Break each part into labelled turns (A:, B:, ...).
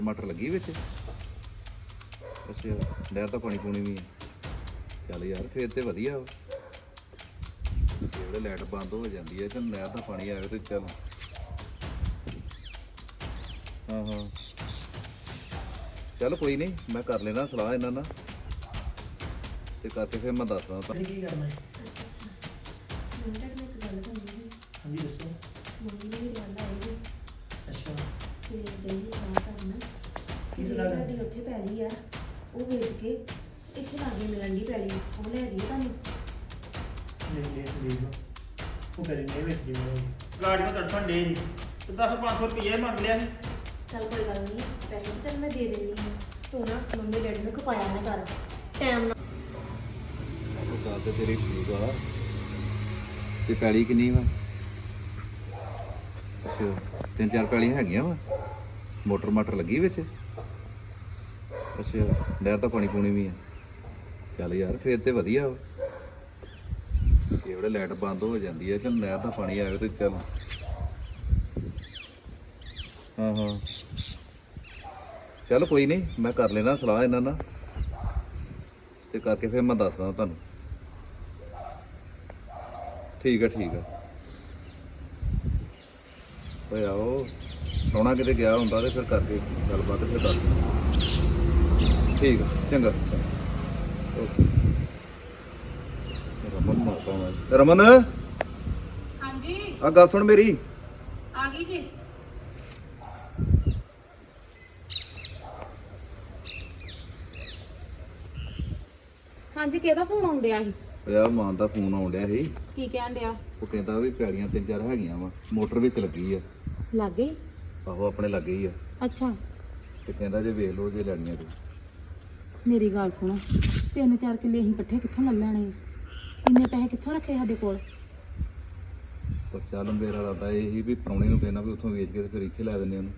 A: ਟਮਾਟਰ ਲੱਗੀ ਵਿੱਚ। ਅੱਛਾ ਨਹਿਰ ਦਾ ਪਾਣੀ ਪੂਣੀ ਵੀ ਹੈ। ਚੱਲ ਯਾਰ ਫੇਰ ਤੇ ਵਧੀਆ ਵਾ। ਜਿਹੜੇ ਲਾਈਟ ਬੰਦ ਹੋ ਜਾਂਦੀ ਹੈ ਤੇ ਨਹਿਰ ਦਾ ਪਾਣੀ ਆਵੇ ਤੇ ਚੱਲ। ਹਾਂ ਹਾਂ ਚੱਲ ਕੋਈ ਨਹੀਂ, ਮੈਂ ਕਰ ਲੈਣਾ ਸਲਾਹ ਇਹਨਾਂ ਨਾਲ ਤੇ ਕਰਕੇ ਫਿਰ ਮੈਂ ਦੱਸਦਾ ਤੁਹਾਨੂੰ।
B: ਕੀ ਕਰਨਾ ਹੈ?
C: ਇੱਕ ਗੱਲ ਕਰਨੀ ਸੀ।
B: ਹਾਂਜੀ ਦੱਸੋ।
C: ਮੰਮੀ ਦੀ ਗੱਲ ਆਈ
B: ਅੱਛਾ
C: ਤੇ ਡੇਲੀ ਸਲਾਹ ਕਰਨਾ
B: ਕੀ
C: ਕਿ
B: ਸਲਾਹ ਕਰਨੀ?
C: ਤੁਹਾਡੀ ਉੱਥੇ ਪੈਲੀ ਆ ਉਹ ਵੇਚ ਕੇ ਇੱਥੇ ਲਾਗੇ ਮਿਲਣ ਦੀ ਪੈਲੀ ਉਹ ਲੈ ਗਈ ਤੁਹਾਨੂੰ।
B: ਨਹੀਂ ਦੇਖ ਉਹ ਕਰੇ ਨਹੀਂ ਵੇਚ ਦੀ ਮੈਂ ਗਾੜੀ ਨੂੰ ਤੜਫਣ ਦੇ ਜੀ ਤੇ 10-500 ਰੁਪਏ ਮੰਗ ਲਿਆ ਸੀ।
C: ਚੱਲ ਕੋਈ ਗੱਲ ਨਹੀਂ, ਪੈਸੇ ਤਾਂ ਚੱਲ ਮੈਂ ਦੇ ਦਿੰਦੀ ਹਾਂ। ਤੂੰ ਨਾ ਮੰਮੀ ਡੈਡੀ ਨੂੰ ਖਪਾਇਆ ਨਾ ਕਰ ਟਾਈਮ ਨਾਲ।
A: ਉਹ ਗੱਲ ਤੇ ਤੇਰੀ ਠੀਕ ਆ ਤੇ ਪੈਲੀ ਕਿੰਨੀ ਵਾ? ਅੱਛਾ 3-4 ਪੈਲੀਆਂ ਹੈਗੀਆਂ ਵਾ। ਮੋਟਰ ਮਾਟਰ ਲੱਗੀ ਵਿੱਚ। ਅੱਛਾ ਨਹਿਰ ਦਾ ਪਾਣੀ ਪੂਣੀ ਵੀ ਆ। ਚੱਲ ਯਾਰ ਫੇਰ ਤੇ ਵਧੀਆ ਵਾ। ਜਿਹੜੇ ਲਾਈਟ ਬੰਦ ਹੋ ਜਾਂਦੀ ਹੈ ਤੇ ਨਹਿਰ ਦਾ ਪਾਣੀ ਆਵੇ ਤੇ ਚੱਲ। ਹਾਂ ਹਾਂ ਚੱਲ ਕੋਈ ਨਹੀਂ, ਮੈਂ ਕਰ ਲੈਣਾ ਸਲਾਹ ਇਹਨਾਂ ਨਾਲ ਤੇ ਕਰਕੇ ਫਿਰ ਮੈਂ ਦੱਸਦਾ ਤੁਹਾਨੂੰ। ਠੀਕ ਆ ਓਏ ਆਓ ਸੋਣਾ ਕਿਤੇ ਗਿਆ ਹੁੰਦਾ ਤੇ ਫਿਰ ਕਰਕੇ ਗੱਲਬਾਤ ਫਿਰ ਦੱਸ ਦਿੰਦਾ। ਠੀਕ ਆ ਚੰਗਾ ਓਕੇ। ਰਮਨ ਮਾਤਾ ਮੈਂ ਰਮਨ
D: ਹਾਂਜੀ
A: ਆ ਗੱਲ ਸੁਣ ਮੇਰੀ।
D: ਆ ਗਈ ਜੀ। ਹਾਂਜੀ ਕਿਹਦਾ ਫੋਨ ਆਉਂਦਿਆ ਸੀ?
A: ਓਏ ਆ ਮਾਂ ਦਾ ਫੋਨ ਆਉਣ ਡਿਆ ਸੀ।
D: ਕੀ ਕਹਿਣ ਡਿਆ?
A: ਉਹ ਕਹਿੰਦਾ ਵੀ ਪੈੜੀਆਂ 3-4 ਹੈਗੀਆਂ ਵਾ, ਮੋਟਰ ਵਿੱਚ ਲੱਗੀ ਆ।
D: ਲੱਗੇ?
A: ਆਹੋ ਆਪਣੇ ਲੱਗੇ ਹੀ ਆ
D: ਅੱਛਾ
A: ਤੇ ਕਹਿੰਦਾ ਜੇ ਵੇਖ ਲਓ ਜੇ ਲੈਣੀਆਂ ਤੇ।
D: ਮੇਰੀ ਗੱਲ ਸੁਣੋ, 3-4 ਕਿੱਲੇ ਅਸੀਂ ਇਕੱਠੇ ਕਿੱਥੋਂ ਲੈ ਲੈਣੇ? ਇੰਨੇ ਪੈਸੇ ਕਿੱਥੋਂ ਰੱਖੇ ਸਾਡੇ ਕੋਲ?
A: ਪਰ ਚੱਲ ਮੇਰਾ ਇਰਾਦਾ ਇਹ ਸੀ ਵੀ ਪ੍ਰਾਹੁਣੇ ਨੂੰ ਕਹਿਣਾ ਵੀ ਉੱਥੋਂ ਵੇਚ ਕੇ ਤੇ ਫਿਰ ਇੱਥੇ ਲੈ ਦਿੰਦੇ ਉਹਨੂੰ।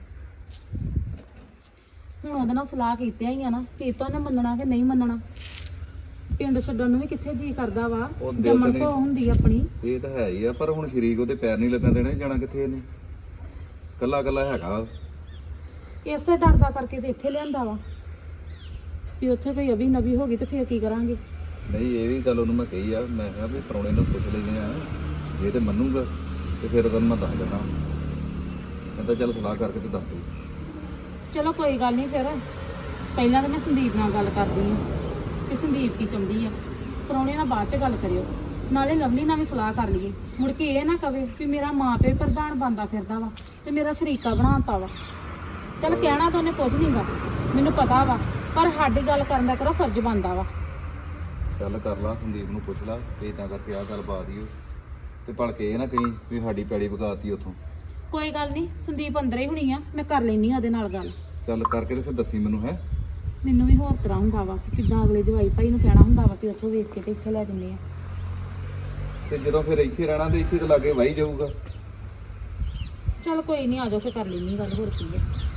D: ਹੁਣ ਉਹਦੇ ਨਾਲ ਸਲਾਹ ਕੀਤਿਆਂ ਹੀ ਆ ਨਾ, ਕੀਤਾ ਉਹਨੇ ਮੰਨਣਾ ਕਿ ਨਹੀਂ ਮੰਨਣਾ। ਪਿੰਡ ਛੱਡਣ ਨੂੰ ਵੀ ਕਿੱਥੇ ਜੀ ਕਰਦਾ ਵਾ,
A: ਉਹ ਦਿਲ
D: ਜੰਮਣ
A: ਤੇ
D: ਤੋਂ ਹੁੰਦੀ ਆਪਣੀ।
A: ਇਹ ਤਾਂ ਹੈ ਹੀ ਆ, ਪਰ ਹੁਣ ਸ਼ਰੀਕ ਉਹਦੇ ਪੈਰ ਨਹੀਂ ਲੱਗਣ ਦੇਣੇ। ਜਾਣਾ ਕਿੱਥੇ ਇਹਨੇ? ਕੱਲਾ ਕੱਲਾ ਹੈਗਾ।
D: ਇਸੇ ਡਰ ਦਾ ਕਰਕੇ ਤੇ ਇੱਥੇ ਲਿਆਂਦਾ ਵਾ ਵੀ ਉੱਥੇ ਕੋਈ ਅਭੀ ਨਵੀ ਹੋ ਗਈ ਤੇ ਫਿਰ ਕੀ ਕਰਾਂਗੇ।
A: ਨਹੀਂ ਇਹ ਵੀ ਗੱਲ ਉਹਨੂੰ ਮੈਂ ਕਹੀ ਆ, ਮੈਂ ਕਿਹਾ ਵੀ ਪ੍ਰਾਹੁਣੇ ਨੂੰ ਪੁੱਛ ਲੈਂਦੇ ਆ, ਜੇ ਤੇ ਮੰਨੂਗਾ ਤੇ ਫਿਰ ਉਹਨੂੰ ਮੈਂ ਦੱਸ ਦਿੰਦਾ। ਕਹਿੰਦਾ ਚੱਲ ਸਲਾਹ ਕਰਕੇ ਤੇ ਦੱਸ ਦੂ।
D: ਚਲੋ ਕੋਈ ਗੱਲ ਨਹੀਂ, ਫਿਰ ਪਹਿਲਾਂ ਤਾਂ ਮੈਂ ਸੰਦੀਪ ਨਾਲ ਗੱਲ ਕਰਦੀ ਹਾਂ ਕਿ ਸੰਦੀਪ ਕੀ ਚਾਹੁੰਦੀ ਆ। ਪ੍ਰਾਹੁਣੇ ਨਾਲ ਬਾਅਦ ਚ ਗੱਲ ਕਰਿਓ, ਨਾਲੇ ਲਵਲੀ ਨਾਲ ਵੀ ਸਲਾਹ ਕਰ ਲਈਏ। ਮੁੜ ਕੇ ਇਹ ਨਾ ਕਵੇ ਵੀ ਮੇਰਾ ਮਾਂ ਪਿਓ ਪ੍ਰਧਾਨ ਬਣਦਾ ਫਿਰਦਾ ਵਾ ਤੇ ਮੇਰਾ ਸ਼ਰੀਕਾ ਬਣਾਤਾ ਵਾ। ਚੱਲ ਕਹਿਣਾ ਤਾਂ ਉਹਨੇ ਕੁਝ ਨਹੀਂਗਾ, ਮੈਨੂੰ ਪਤਾ ਵਾ, ਪਰ ਸਾਡੀ ਗੱਲ ਕਰਨ ਦਾ ਕਰੋ ਫਰਜ਼ ਬਣਦਾ ਵਾ।
A: ਚੱਲ ਕਰ ਲਾ, ਸੰਦੀਪ ਨੂੰ ਪੁੱਛ ਲਾ ਤੇ ਇਦਾਂ ਕਰਕੇ ਆਹ ਗੱਲ ਬਾਤ ਹੀ ਤੇ ਭਲਕੇ ਇਹ ਨਾ ਕਹੀਂ ਵੀ ਸਾਡੀ ਪੈੜੀ ਵਗਾਤੀ ਉੱਥੋਂ।
D: ਕੋਈ ਗੱਲ ਨਹੀਂ, ਸੰਦੀਪ ਅੰਦਰ ਹੀ ਹੋਣੀ ਆ, ਮੈਂ ਕਰ ਲੈਣੀ ਆ ਉਹਦੇ ਨਾਲ ਗੱਲ।
A: ਚੱਲ ਕਰਕੇ ਤੇ ਫਿਰ ਦੱਸੀ ਮੈਨੂੰ। ਹੈ
D: ਮੈਨੂੰ ਵੀ ਹੋਰ ਤਰ੍ਹਾਂ ਹੁੰਦਾ ਵਾ ਕਿ ਕਿੱਦਾਂ ਅਗਲੇ ਜਵਾਈ ਭਾਈ ਨੂੰ ਕਹਿਣਾ ਹੁੰਦਾ ਵਾ ਕਿ ਉੱਥੋਂ ਵੇਚ ਕੇ ਤੇ ਇੱਥੇ ਲੈ ਦਿੰਦੇ ਆ।
A: ਤੇ ਜਦੋਂ ਫਿਰ ਇੱਥੇ ਰਹਿਣਾ ਤੇ ਇੱਥੇ ਤਾਂ ਲਾਗੇ ਵਾਹੀ ਜਾਊਗਾ।
D: ਚੱਲ ਕੋਈ ਨਹੀਂ, ਆ ਜਾਓ ਫਿਰ ਕਰ ਲੈਣੀ ਗੱਲ, ਹੋਰ ਕੀ ਹੈ।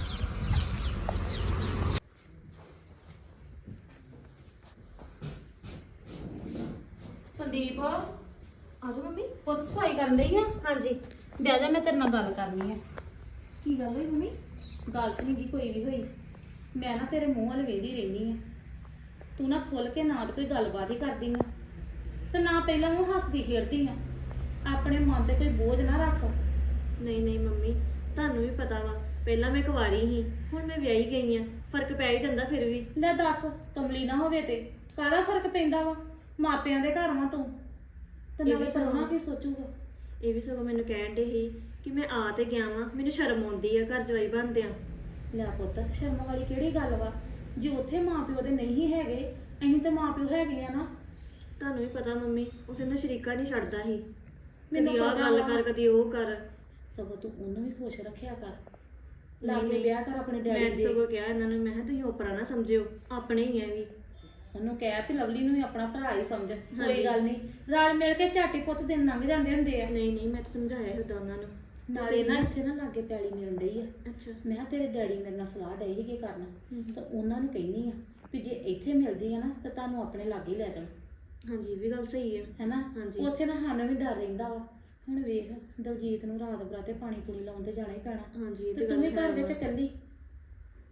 D: ਸੰਦੀਪ
C: ਆਜੋ ਮੰਮੀ।
D: ਪੁੱਤ ਸਫਾਈ ਕਰਨ ਲਈ ਆ?
C: ਹਾਂਜੀ
D: ਬਹਿ ਜਾ, ਮੈਂ ਤੇਰੇ ਨਾਲ ਗੱਲ ਕਰਨੀ ਹੈ।
C: ਕੀ ਗੱਲ ਹੋਈ ਮੰਮੀ?
D: ਗੱਲ ਤਾਂ ਨਹੀਂ ਕੋਈ ਵੀ ਹੋਈ, ਮੈਂ ਨਾ ਤੇਰੇ ਮੂੰਹ ਵੱਲ ਵੇਖਦੀ ਰਹਿੰਦੀ ਆ। ਤੂੰ ਨਾ ਖੁੱਲ ਕੇ ਨਾ ਤਾਂ ਕੋਈ ਗੱਲਬਾਤ ਹੀ ਕਰਦੀ ਆ ਤੇ ਨਾ ਪਹਿਲਾਂ ਉਹ ਹੱਸਦੀ ਖੇਡਦੀ ਆ। ਆਪਣੇ ਮਨ ਤੇ ਕੋਈ ਬੋਝ ਨਾ ਰੱਖ।
C: ਨਹੀਂ ਮੰਮੀ, ਤੁਹਾਨੂੰ ਵੀ ਪਤਾ ਵਾ ਪਹਿਲਾਂ ਮੈਂ ਕੁਆਰੀ ਸੀ, ਹੁਣ ਮੈਂ ਵਿਆਹੀ ਗਈ ਆ, ਫਰਕ ਪੈ ਹੀ ਜਾਂਦਾ ਫਿਰ ਵੀ।
D: ਲੈ ਦੱਸ, ਕਮਲੀ ਨਾ ਹੋਵੇ ਤੇ ਕਾਹਦਾ ਫਰਕ ਪੈਂਦਾ ਵਾ? ਮਾਪਿਆਂ ਦੇ ਘਰ ਵਾਂ ਤੂੰ ਤੇ
C: ਇਹ ਵੀ
D: ਨਾਲੇ
C: ਸਗੋਂ-
D: ਪ੍ਰਾਹੁਣਾ ਕੀ ਸੋਚੂਗਾ?
C: ਇਹ ਵੀ ਸਗੋਂ ਮੈਨੂੰ ਕਹਿਣ ਦੇ ਸੀ ਕਿ ਮੈਂ ਆ ਤੇ ਗਿਆ ਵਾਂ, ਮੈਨੂੰ ਸ਼ਰਮ ਆਉਂਦੀ ਆ ਘਰ ਜਵਾਈ ਬਣਦਿਆਂ।
D: ਲੈ ਪੁੱਤ, ਸ਼ਰਮ ਵਾਲੀ ਕਿਹੜੀ ਗੱਲ ਵਾ? ਜੇ ਉੱਥੇ ਮਾਪਿਓ ਦੇ ਨਹੀਂ ਹੈਗੇ, ਅਸੀਂ ਤੇ ਮਾਪਿਓ ਹੈਗੇ ਆ ਨਾ।
C: ਤੁਹਾਨੂੰ ਵੀ ਪਤਾ ਮੰਮੀ, ਉਸੇ ਨਾਲ ਸ਼ਰੀਕਾ ਨਹੀਂ ਛੱਡਦਾ ਸੀ।
D: ਮੈਨੂੰ
C: ਕਦੀ ਆਹ
D: ਪਤਾ
C: ਗੱਲ
D: ਵਾ।
C: ਕਰ, ਕਦੀ ਉਹ ਕਰ।
D: ਸਗੋਂ ਤੂੰ ਉਹਨੂੰ ਵੀ ਖੁਸ਼ ਰੱਖਿਆ ਕਰ,
C: ਨਹੀਂ,
D: ਲਾਗੇ
C: ਨਹੀਂ।
D: ਵਿਆਹ ਕਰ ਆਪਣੇ
C: ਮੈਂ
D: ਡੈਡੀ
C: ਤਾਂ
D: ਦੇ।
C: ਸਗੋਂ ਕਿਹਾ ਇਹਨਾਂ ਨੂੰ, ਮੈਂ ਕਿਹਾ ਤੁਸੀਂ ਓਪਰਾ ਨਾ ਸਮਝਿਓ, ਆਪਣੇ ਹੀ ਆ ਵੀ।
D: ਉਹਨੂੰ ਕਹਿ ਵੀ ਲਵਲੀ ਨੂੰ ਵੀ ਆਪਣਾ ਭਰਾ ਹੀ ਸਮਝ।
C: ਹਾਂਜੀ।
D: ਕੋਈ ਗੱਲ ਨਹੀਂ, ਰਲ ਮਿਲ ਕੇ ਝਾਟੀ ਪੁੱਤ ਦਿਨ ਲੰਘ ਜਾਂਦੇ ਹੁੰਦੇ ਆ।
C: ਨਹੀਂ ਮੈਂ ਤਾਂ ਸਮਝਾਇਆ ਹੁੰਦਾ ਉਹਨਾਂ ਨੂੰ।
D: ਨਾਲੇ ਨਾ ਇੱਥੇ ਨਾ ਲਾਗੇ ਪੈਲੀ ਮਿਲਣ ਡਈ ਆ।
C: ਅੱਛਾ
D: ਮੈਂ ਕਿਹਾ ਤੇਰੇ ਡੈਡੀ ਮੇਰੇ ਨਾਲ ਸਲਾਹ ਡਏ ਸੀਗੇ ਕਰਨ,
C: ਹਮ।
D: ਤਾਂ ਉਹਨਾਂ ਨੂੰ ਕਹਿੰਦੀ ਆ ਵੀ ਜੇ ਇੱਥੇ ਮਿਲਦੀ ਆ ਨਾ ਤਾਂ ਤੁਹਾਨੂੰ ਆਪਣੇ ਲਾਗੇ ਹੀ ਲੈ ਦੇਣ।
C: ਹਾਂਜੀ ਇਹ ਵੀ ਗੱਲ ਸਹੀ ਆ।
D: ਹੈਨਾ?
C: ਹਾਂਜੀ।
D: ਉੱਥੇ ਨਾ ਸਾਨੂੰ ਵੀ ਡਰ ਰਹਿੰਦਾ ਵਾ। ਹੁਣ ਵੇਖ, ਦਲਜੀਤ ਨੂੰ ਰਾਤ ਬਰਾਤੇ ਪਾਣੀ ਪੂਣੀ ਲਾਉਣ ਤੇ ਜਾਣਾ ਹੀ ਪੈਣਾ
C: ਹਾਂਜੀ ਇਹ
D: ਤੇ
C: ਤੇ
D: ਤੂੰ ਵੀ
C: ਗੱਲ
D: ਘਰ
C: ਹੈ
D: ਵਿੱਚ
C: ਵਾ।
D: ਇਕੱਲੀ।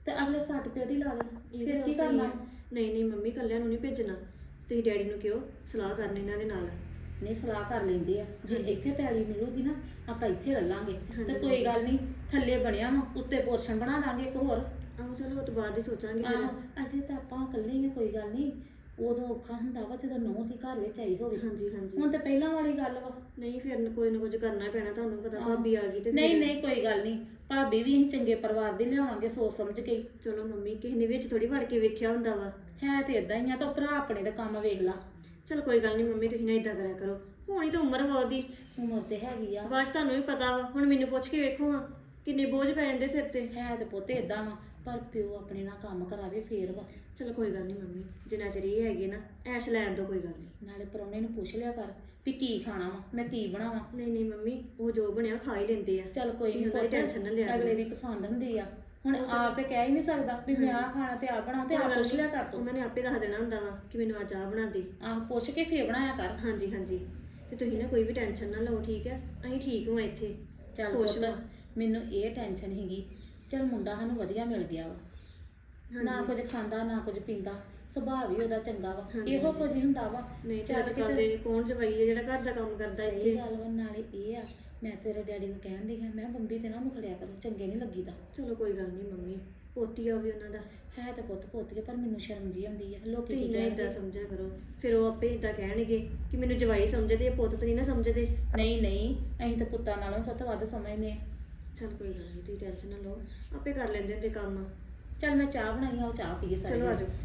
D: ਤੇ ਅਗਲੇ ਸੱਟ ਪੇਟ ਹੀ ਲਾ ਲੈਣ
C: ਇਹ
D: ਫਿਰ
C: ਤਾਂ
D: ਕੀ
C: ਸਹੀ
D: ਕਰਨਾ?
C: ਹੈ। ਨਹੀਂ ਨਹੀਂ ਮੰਮੀ ਕੱਲਿਆਂ ਨੂੰ ਨਹੀਂ ਭੇਜਣਾ, ਤੁਸੀਂ ਡੈਡੀ ਨੂੰ ਕਿਹੋ ਸਲਾਹ ਕਰਨ ਇਹਨਾਂ ਦੇ ਨਾਲ।
D: ਨਹੀਂ ਸਲਾਹ ਕਰ ਲੈਂਦੇ ਆ, ਜੇ ਇੱਥੇ ਪੈਲੀ ਮਿਲੂਗੀ ਨਾ ਆਪਾਂ ਇੱਥੇ ਲੈ ਲਾਂਗੇ
C: ਹਾਂਜੀ।
D: ਤੇ ਕੋਈ ਗੱਲ ਨਹੀਂ, ਥੱਲੇ ਬਣਿਆ ਵਾ ਉੱਤੇ ਪੋਰਸ਼ਨ ਬਣਾ ਲਾਂਗੇ ਇੱਕ ਹੋਰ।
C: ਆਹੋ ਚਲੋ ਉਹ ਤੋਂ ਬਾਅਦ ਹੀ ਸੋਚਾਂਗੇ ਫਿਰ।
D: ਆਹੋ ਅਜੇ ਤਾਂ ਆਪਾਂ ਇਕੱਲੇ ਹੀ ਆ, ਕੋਈ ਗੱਲ ਨਹੀਂ। ਉਦੋਂ ਔਖਾ ਹੁੰਦਾ ਵਾ ਜਦੋਂ ਨੂੰਹ ਦੀ ਘਰ ਵਿੱਚ ਆਈ ਹੋਵੇ।
C: ਹਾਂਜੀ ਹਾਂਜੀ
D: ਹੁਣ ਤੇ ਪਹਿਲਾਂ ਵਾਲੀ ਗੱਲ ਵਾ।
C: ਨਹੀਂ ਫਿਰ ਕੋਈ ਨਾ ਕੁਝ ਕਰਨਾ ਹੀ ਪੈਣਾ, ਤੁਹਾਨੂੰ ਪਤਾ
D: ਆਹੋ।
C: ਭਾਬੀ ਆ ਗਈ ਤੇ
D: ਨਹੀਂ
C: ਫਿਰ-
D: ਨਹੀਂ ਕੋਈ ਗੱਲ ਨਹੀਂ, ਭਾਬੀ ਵੀ ਅਸੀਂ ਚੰਗੇ ਪਰਿਵਾਰ ਦੀ ਲਿਆਵਾਂਗੇ ਸੋਚ ਸਮਝ ਕੇ ਹੀ।
C: ਚਲੋ ਮੰਮੀ ਕਿਸੇ ਨੇ ਵਿੱਚ ਥੋੜੀ ਵੜ ਕੇ ਵੇਖਿਆ ਹੁੰਦਾ ਵਾ।
D: ਹੈ ਤੇ ਇਦਾਂ ਹੀ ਆ, ਤਾਂ ਭਰਾ ਆਪਣੇ ਦਾ ਕੰਮ ਵੇਖ ਲਾ।
C: ਚਲ ਕੋਈ ਗੱਲ ਨਹੀਂ ਮੰਮੀ, ਤੁਸੀਂ ਨਾ ਇਦਾਂ ਕਰਿਆ ਕਰੋ, ਹੋਣੀ ਤਾਂ ਉਮਰ ਵਾ ਉਹਦੀ,
D: ਉਮਰ ਤੇ ਹੈਗੀ ਆ,
C: ਬਾਅਦ 'ਚ ਤੁਹਾਨੂੰ ਵੀ ਪਤਾ ਵਾ। ਹੁਣ ਮੈਨੂੰ ਪੁੱਛ ਕੇ ਵੇਖੋ ਹਾਂ ਕਿੰਨੇ ਬੋਝ ਪੈ ਜਾਂਦੇ ਸਿਰ ਤੇ।
D: ਹੈ ਤੇ ਪੁੱਤ ਇਦਾਂ ਵਾ, ਪਰ ਪਿਓ ਆਪਣੇ ਨਾਲ ਕੰਮ ਕਰਾਵੇ ਫੇਰ ਵਾ।
C: ਚਲੋ ਕੋਈ ਗੱਲ ਨਹੀਂ ਮੰਮੀ, ਜਿੰਨਾ ਚਿਰ ਇਹ ਹੈਗੇ ਨਾ ਐਸ਼ ਲੈਣ ਦੋ, ਕੋਈ ਗੱਲ ਨਹੀਂ।
D: ਨਾਲੇ ਪ੍ਰਾਹੁਣੇ ਨੂੰ ਪੁੱਛ ਲਿਆ ਕਰ ਵੀ ਕੀ ਖਾਣਾ ਵਾ, ਮੈਂ ਕੀ ਬਣਾਵਾਂ।
C: ਨਹੀਂ ਨਹੀਂ ਮੰਮੀ, ਉਹ ਜੋ ਬਣਿਆ ਖਾ ਹੀ ਲੈਂਦੇ ਆ।
D: ਚੱਲ ਕੋਈ
C: ਤੁਸੀਂ
D: ਨਹੀਂ,
C: ਉਹਦੀ ਟੈਨਸ਼ਨ ਨਾ ਲਿਆ ਕਰੋ।
D: ਅਗਲੇ ਦੀ ਪਸੰਦ ਹੁੰਦੀ ਆ। ਹੁਣ ਆਪ ਤੇ ਕਹਿ ਹੀ ਨਹੀਂ ਸਕਦਾ ਵੀ ਮੈਂ ਆਹ ਖਾਣਾ ਤੇ ਆ ਬਣਾ, ਤੇ ਆਪ ਪੁੱਛ ਲਿਆ ਕਰ ਤੂੰ।
C: ਉਹਨਾਂ ਨੇ ਆਪੇ ਦੱਸ ਦੇਣਾ ਹੁੰਦਾ ਵਾ ਕਿ ਮੈਨੂੰ ਅੱਜ ਆਹ ਬਣਾ ਦੇ।
D: ਆਹ ਪੁੱਛ ਕੇ ਫੇਰ ਬਣਾਇਆ ਕਰ।
C: ਹਾਂਜੀ ਹਾਂਜੀ, ਤੇ ਤੁਸੀਂ ਨਾ ਕੋਈ ਵੀ ਟੈਨਸ਼ਨ ਨਾ ਲਓ, ਠੀਕ ਹੈ? ਅਸੀਂ ਠੀਕ ਹਾਂ ਇੱਥੇ।
D: ਚੱਲ
C: ਖੁਸ਼
D: ਪੁੱਤ,
C: ਵਾਂ।
D: ਮੈਨੂੰ ਇਹ ਟੈਨਸ਼ਨ ਹੈਗੀ, ਚੱਲ ਮੁੰਡਾ ਸਾਨੂੰ ਵਧੀਆ ਮਿਲ ਗਿਆ ਵਾ। ਨਾ ਕੁਝ ਖਾਂਦਾ ਨਾ ਕੁਝ ਪੀਂਦਾ, ਸੁਭਾਅ ਵੀ ਉਹਦਾ ਚੰਗਾ ਵਾ।
C: ਹਾਂਜੀ,
D: ਇਹੋ ਕੁਝ ਹੀ ਹੁੰਦਾ ਵਾ।
C: ਨਹੀਂ
D: ਚੱਲ
C: ਚੱਲ ਕਰਦੇ ਕੌਣ ਜਵਾਈ ਹੈ ਜਿਹੜਾ ਘਰ ਦਾ ਕੰਮ ਕਰਦਾ
D: ਸਹੀ
C: ਇੱਥੇ।
D: ਗੱਲ ਵਾ। ਨਾਲੇ ਇਹ ਆ, ਮੈਂ ਤੇਰੇ ਡੈਡੀ ਨੂੰ ਕਹਿਣ ਡਈ ਹਾਂ, ਮੈਂ ਬੰਬੀ ਤੇ ਨਾ ਉਹਨੂੰ ਖੜਿਆ ਕਰ, ਚੰਗੇ ਨਹੀਂ ਲੱਗੀਦਾ।
C: ਚਲੋ ਕੋਈ ਗੱਲ ਨਹੀਂ ਮੰਮੀ, ਪੋਤੀ ਆ ਵੀ ਉਹਨਾਂ ਦਾ।
D: ਹੈ ਤੇ ਪੁੱਤ ਪੋਤੀ ਆ, ਪਰ ਮੈਨੂੰ ਸ਼ਰਮ ਜੀ ਆਉਂਦੀ ਆ। ਲੋਕੀ
C: ਤੁਸੀਂ
D: ਕੀ
C: ਨਾ
D: ਕਹਿਣਗੇ?
C: ਇਦਾਂ ਸਮਝਿਆ ਕਰੋ, ਫਿਰ ਉਹ ਆਪੇ ਇਦਾਂ ਕਹਿਣਗੇ ਕਿ ਮੈਨੂੰ ਜਵਾਈ ਸਮਝਦੇ ਆ, ਪੁੱਤ ਤਾਂ ਨਹੀਂ ਨਾ ਸਮਝਦੇ।
D: ਨਹੀਂ ਨਹੀਂ, ਅਸੀਂ ਤਾਂ ਪੁੱਤਾਂ ਨਾਲੋਂ ਪੁੱਤ ਵੱਧ ਸਮਝਦੇ ਆ।
C: ਚਲ ਕੋਈ ਗੱਲ ਨਹੀਂ, ਤੁਸੀਂ ਟੈਨਸ਼ਨ ਨਾ ਲਓ, ਆਪੇ ਕਰ ਲੈਂਦੇ ਹੁੰਦੇ ਕੰਮ।
D: ਚੱਲ ਮੈਂ ਚਾਹ ਬਣਾਈ ਆ, ਉਹ ਚਾਹ ਪੀਏ ਸਾਰੇ।
C: ਚਲੋ ਆਜੋ।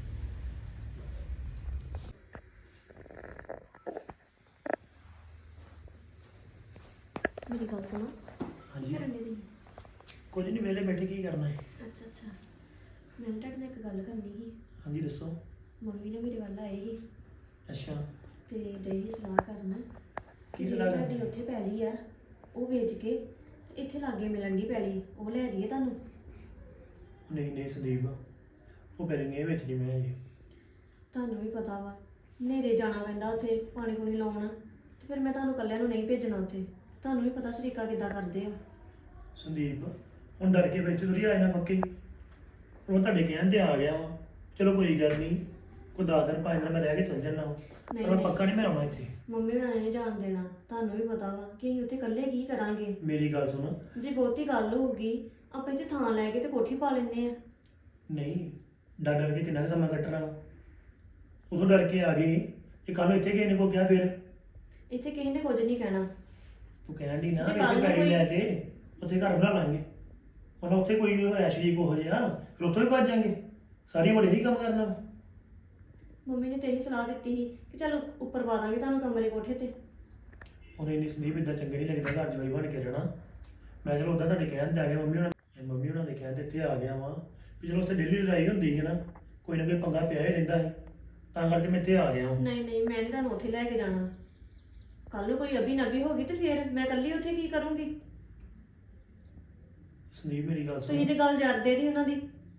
C: ਮੇਰੀ ਗੱਲ ਸੁਣੋ।
B: ਹਾਂਜੀ।
C: ਕੀ ਕਰਨ ਦੇ ਜੀ?
B: ਕੁਝ ਨਹੀਂ, ਵਿਹਲੇ ਬੈਠੇ ਕੀ ਕਰਨਾ ਹੈ?
C: ਅੱਛਾ ਅੱਛਾ, ਮੈਂ ਨਾ ਤੁਹਾਡੇ ਨਾਲ ਇੱਕ ਗੱਲ ਕਰਨੀ ਸੀ।
B: ਹਾਂਜੀ ਦੱਸੋ।
C: ਮੰਮੀ ਨੇ ਮੇਰੇ ਵੱਲ ਆਏ ਸੀ
B: ਅੱਛਾ,
C: ਤੇ ਡਈ ਸੀ ਸਲਾਹ ਕਰਨ ਕਿ
B: ਕੀ
C: ਜਿਹੜੀ
B: ਸਲਾਹ
C: ਤੁਹਾਡੀ
B: ਕਰਨੀ?
C: ਉੱਥੇ ਪੈਲੀ ਆ ਉਹ ਵੇਚ ਕੇ ਤੇ ਇੱਥੇ ਲਾਗੇ ਮਿਲਣ ਦੀ ਪੈਲੀ ਉਹ ਲੈ ਦਈਏ ਤੁਹਾਨੂੰ।
B: ਨਹੀਂ ਨਹੀਂ ਸੰਦੀਪ, ਉਹ ਪੈਲੀ ਨਹੀਂ ਵੇਚਣੀ ਮੈਂ ਜੀ।
C: ਤੁਹਾਨੂੰ ਵੀ ਪਤਾ ਵਾ ਹਨੇਰੇ ਜਾਣਾ ਪੈਂਦਾ ਉੱਥੇ ਪਾਣੀ ਪੂਣੀ ਲਾਉਣ, ਤੇ ਫਿਰ ਮੈਂ ਤੁਹਾਨੂੰ ਇਕੱਲਿਆਂ ਨੂੰ ਨਹੀਂ ਭੇਜਣਾ ਉੱਥੇ। ਤੁਹਾਨੂੰ ਵੀ ਪਤਾ ਸ਼ਰੀਕਾ ਕਿੱਦਾਂ ਕਰਦੇ ਆ।
B: ਸੰਦੀਪ ਹੁਣ ਡਰ ਕੇ ਵਿੱਚ ਥੋੜੀ ਆਏ ਨਾ ਪੱਕੇ, ਉਹ ਤੁਹਾਡੇ ਕਹਿਣ ਤੇ ਆ ਗਿਆ ਵਾ। ਚਲੋ ਕੋਈ ਗੱਲ ਨਹੀਂ, ਕੋਈ 10 ਦਿਨ 5 ਦਿਨ ਮੈਂ ਰਹਿ ਕੇ ਚੱਲ ਜਾਣਾ,
C: ਨਹੀਂ
B: ਪਰ
C: ਨਹੀਂ,
B: ਪੱਕਾ ਨਹੀਂ ਮੈਂ ਆਉਣਾ ਇੱਥੇ।
C: ਮੰਮੀ ਹੁਣਾਂ ਨੇ ਨਹੀਂ ਜਾਣ ਦੇਣਾ। ਤੁਹਾਨੂੰ ਵੀ ਪਤਾ ਵਾ ਕਿ ਅਸੀਂ ਉੱਥੇ ਇਕੱਲੇ ਕੀ ਕਰਾਂਗੇ।
B: ਮੇਰੀ ਗੱਲ ਸੁਣ।
C: ਜੇ ਬਹੁਤੀ ਗੱਲ ਹੋਊਗੀ ਆਪਾਂ ਇੱਥੇ ਥਾਂ ਲੈ ਕੇ ਤੇ ਕੋਠੀ ਪਾ ਲੈਂਦੇ ਆ।
B: ਨਹੀਂ, ਡਰ ਡਰ ਕੇ ਕਿੰਨਾ ਕੁ ਸਮਾਂ ਕੱਟਣਾ ਵਾ? ਉਦੋਂ ਡਰ ਕੇ ਆ ਗਏ, ਤੇ ਕੱਲ ਇੱਥੇ ਕਿਸੇ ਨੇ ਕੋ ਕਿਹਾ ਫਿਰ?
C: ਇੱਥੇ ਕਿਸੇ ਨੇ ਕੁਝ ਨਹੀਂ ਕਹਿਣਾ।
B: ਤੂੰ ਕਹਿਣ ਦੀ ਨਾ
C: ਜੇ
B: ਵੀ
C: ਕੱਲ੍ਹ
B: ਇੱਥੇ
C: ਨੂੰ
B: ਪੈਲੀ
C: ਕੋਈ-
B: ਲੈ ਕੇ ਉੱਥੇ ਘਰ ਬਣਾ ਲਾਂਗੇ। ਹੁਣ ਉੱਥੇ ਕੋਈ ਨਹੀਂ ਹੋਇਆ ਸ਼ਰੀਕ ਹੋ ਜਿਹਾ, ਫਿਰ ਉੱਥੋਂ ਹੀ ਭੱਜ ਜਾਾਂਗੇ। ਸਾਰੀ ਉਮਰ ਇਹੀ ਕੰਮ ਕਰਨਾ ਵਾ।
C: ਮੰਮੀ ਨੇ ਤੇ ਇਹੀ ਸਲਾਹ ਦਿੱਤੀ ਸੀ ਕਿ ਚਲ ਉੱਪਰ ਪਾ ਦਾਂਗੇ ਤੁਹਾਨੂੰ ਕਮਰੇ ਕੋਠੇ ਤੇ।
B: ਹੁਣ ਇੰਨੀ ਸੰਦੀਪ ਇਦਾਂ ਚੰਗੇ ਨਹੀਂ ਲੱਗਦਾ ਘਰ ਜਵਾਈ ਬਣ ਕੇ ਰਹਿਣਾ। ਮੈਂ ਚਲੋ ਉੱਦਾਂ ਤੁਹਾਡੇ ਕਹਿਣ ਤੇ ਆ ਗਿਆ, ਮੰਮੀ ਉਹਨਾਂ ਦੇ ਕਹਿਣ ਤੇ ਇੱਥੇ ਆ ਗਿਆ ਵਾਂ ਵੀ ਚਲੋ ਉੱਥੇ ਡੇਲੀ ਲੜਾਈ ਹੁੰਦੀ ਸੀ ਨਾ, ਕੋਈ ਨਾ ਕੋਈ ਪੰਗਾ ਪਿਆ ਹੀ ਰਹਿੰਦਾ ਹੈ, ਤਾਂ ਕਰਕੇ ਮੈਂ ਇੱਥੇ ਆ ਗਿਆ ਵਾਂ।
C: ਨਹੀਂ ਨਹੀਂ, ਮੈਂ ਨਹੀਂ ਤੁਹਾਨੂੰ ਉੱਥੇ ਲੈ ਕੇ ਜਾਣਾ। ਕੱਲ ਨੂੰ ਕੋਈ ਅਭੀ ਨਬੀ ਹੋ ਗਈ ਤੇ ਫਿਰ ਮੈਂ ਇਕੱਲੀ ਉੱਥੇ ਕੀ ਕਰੂੰਗੀ।
B: ਸੰਦੀਪ ਮੇਰੀ ਗੱਲ ਸੁਣ,
C: ਤੁਸੀਂ ਤੇ ਗੱਲ ਜਰਦੇ ਦੀ ਉਹਨਾਂ ਦੀ।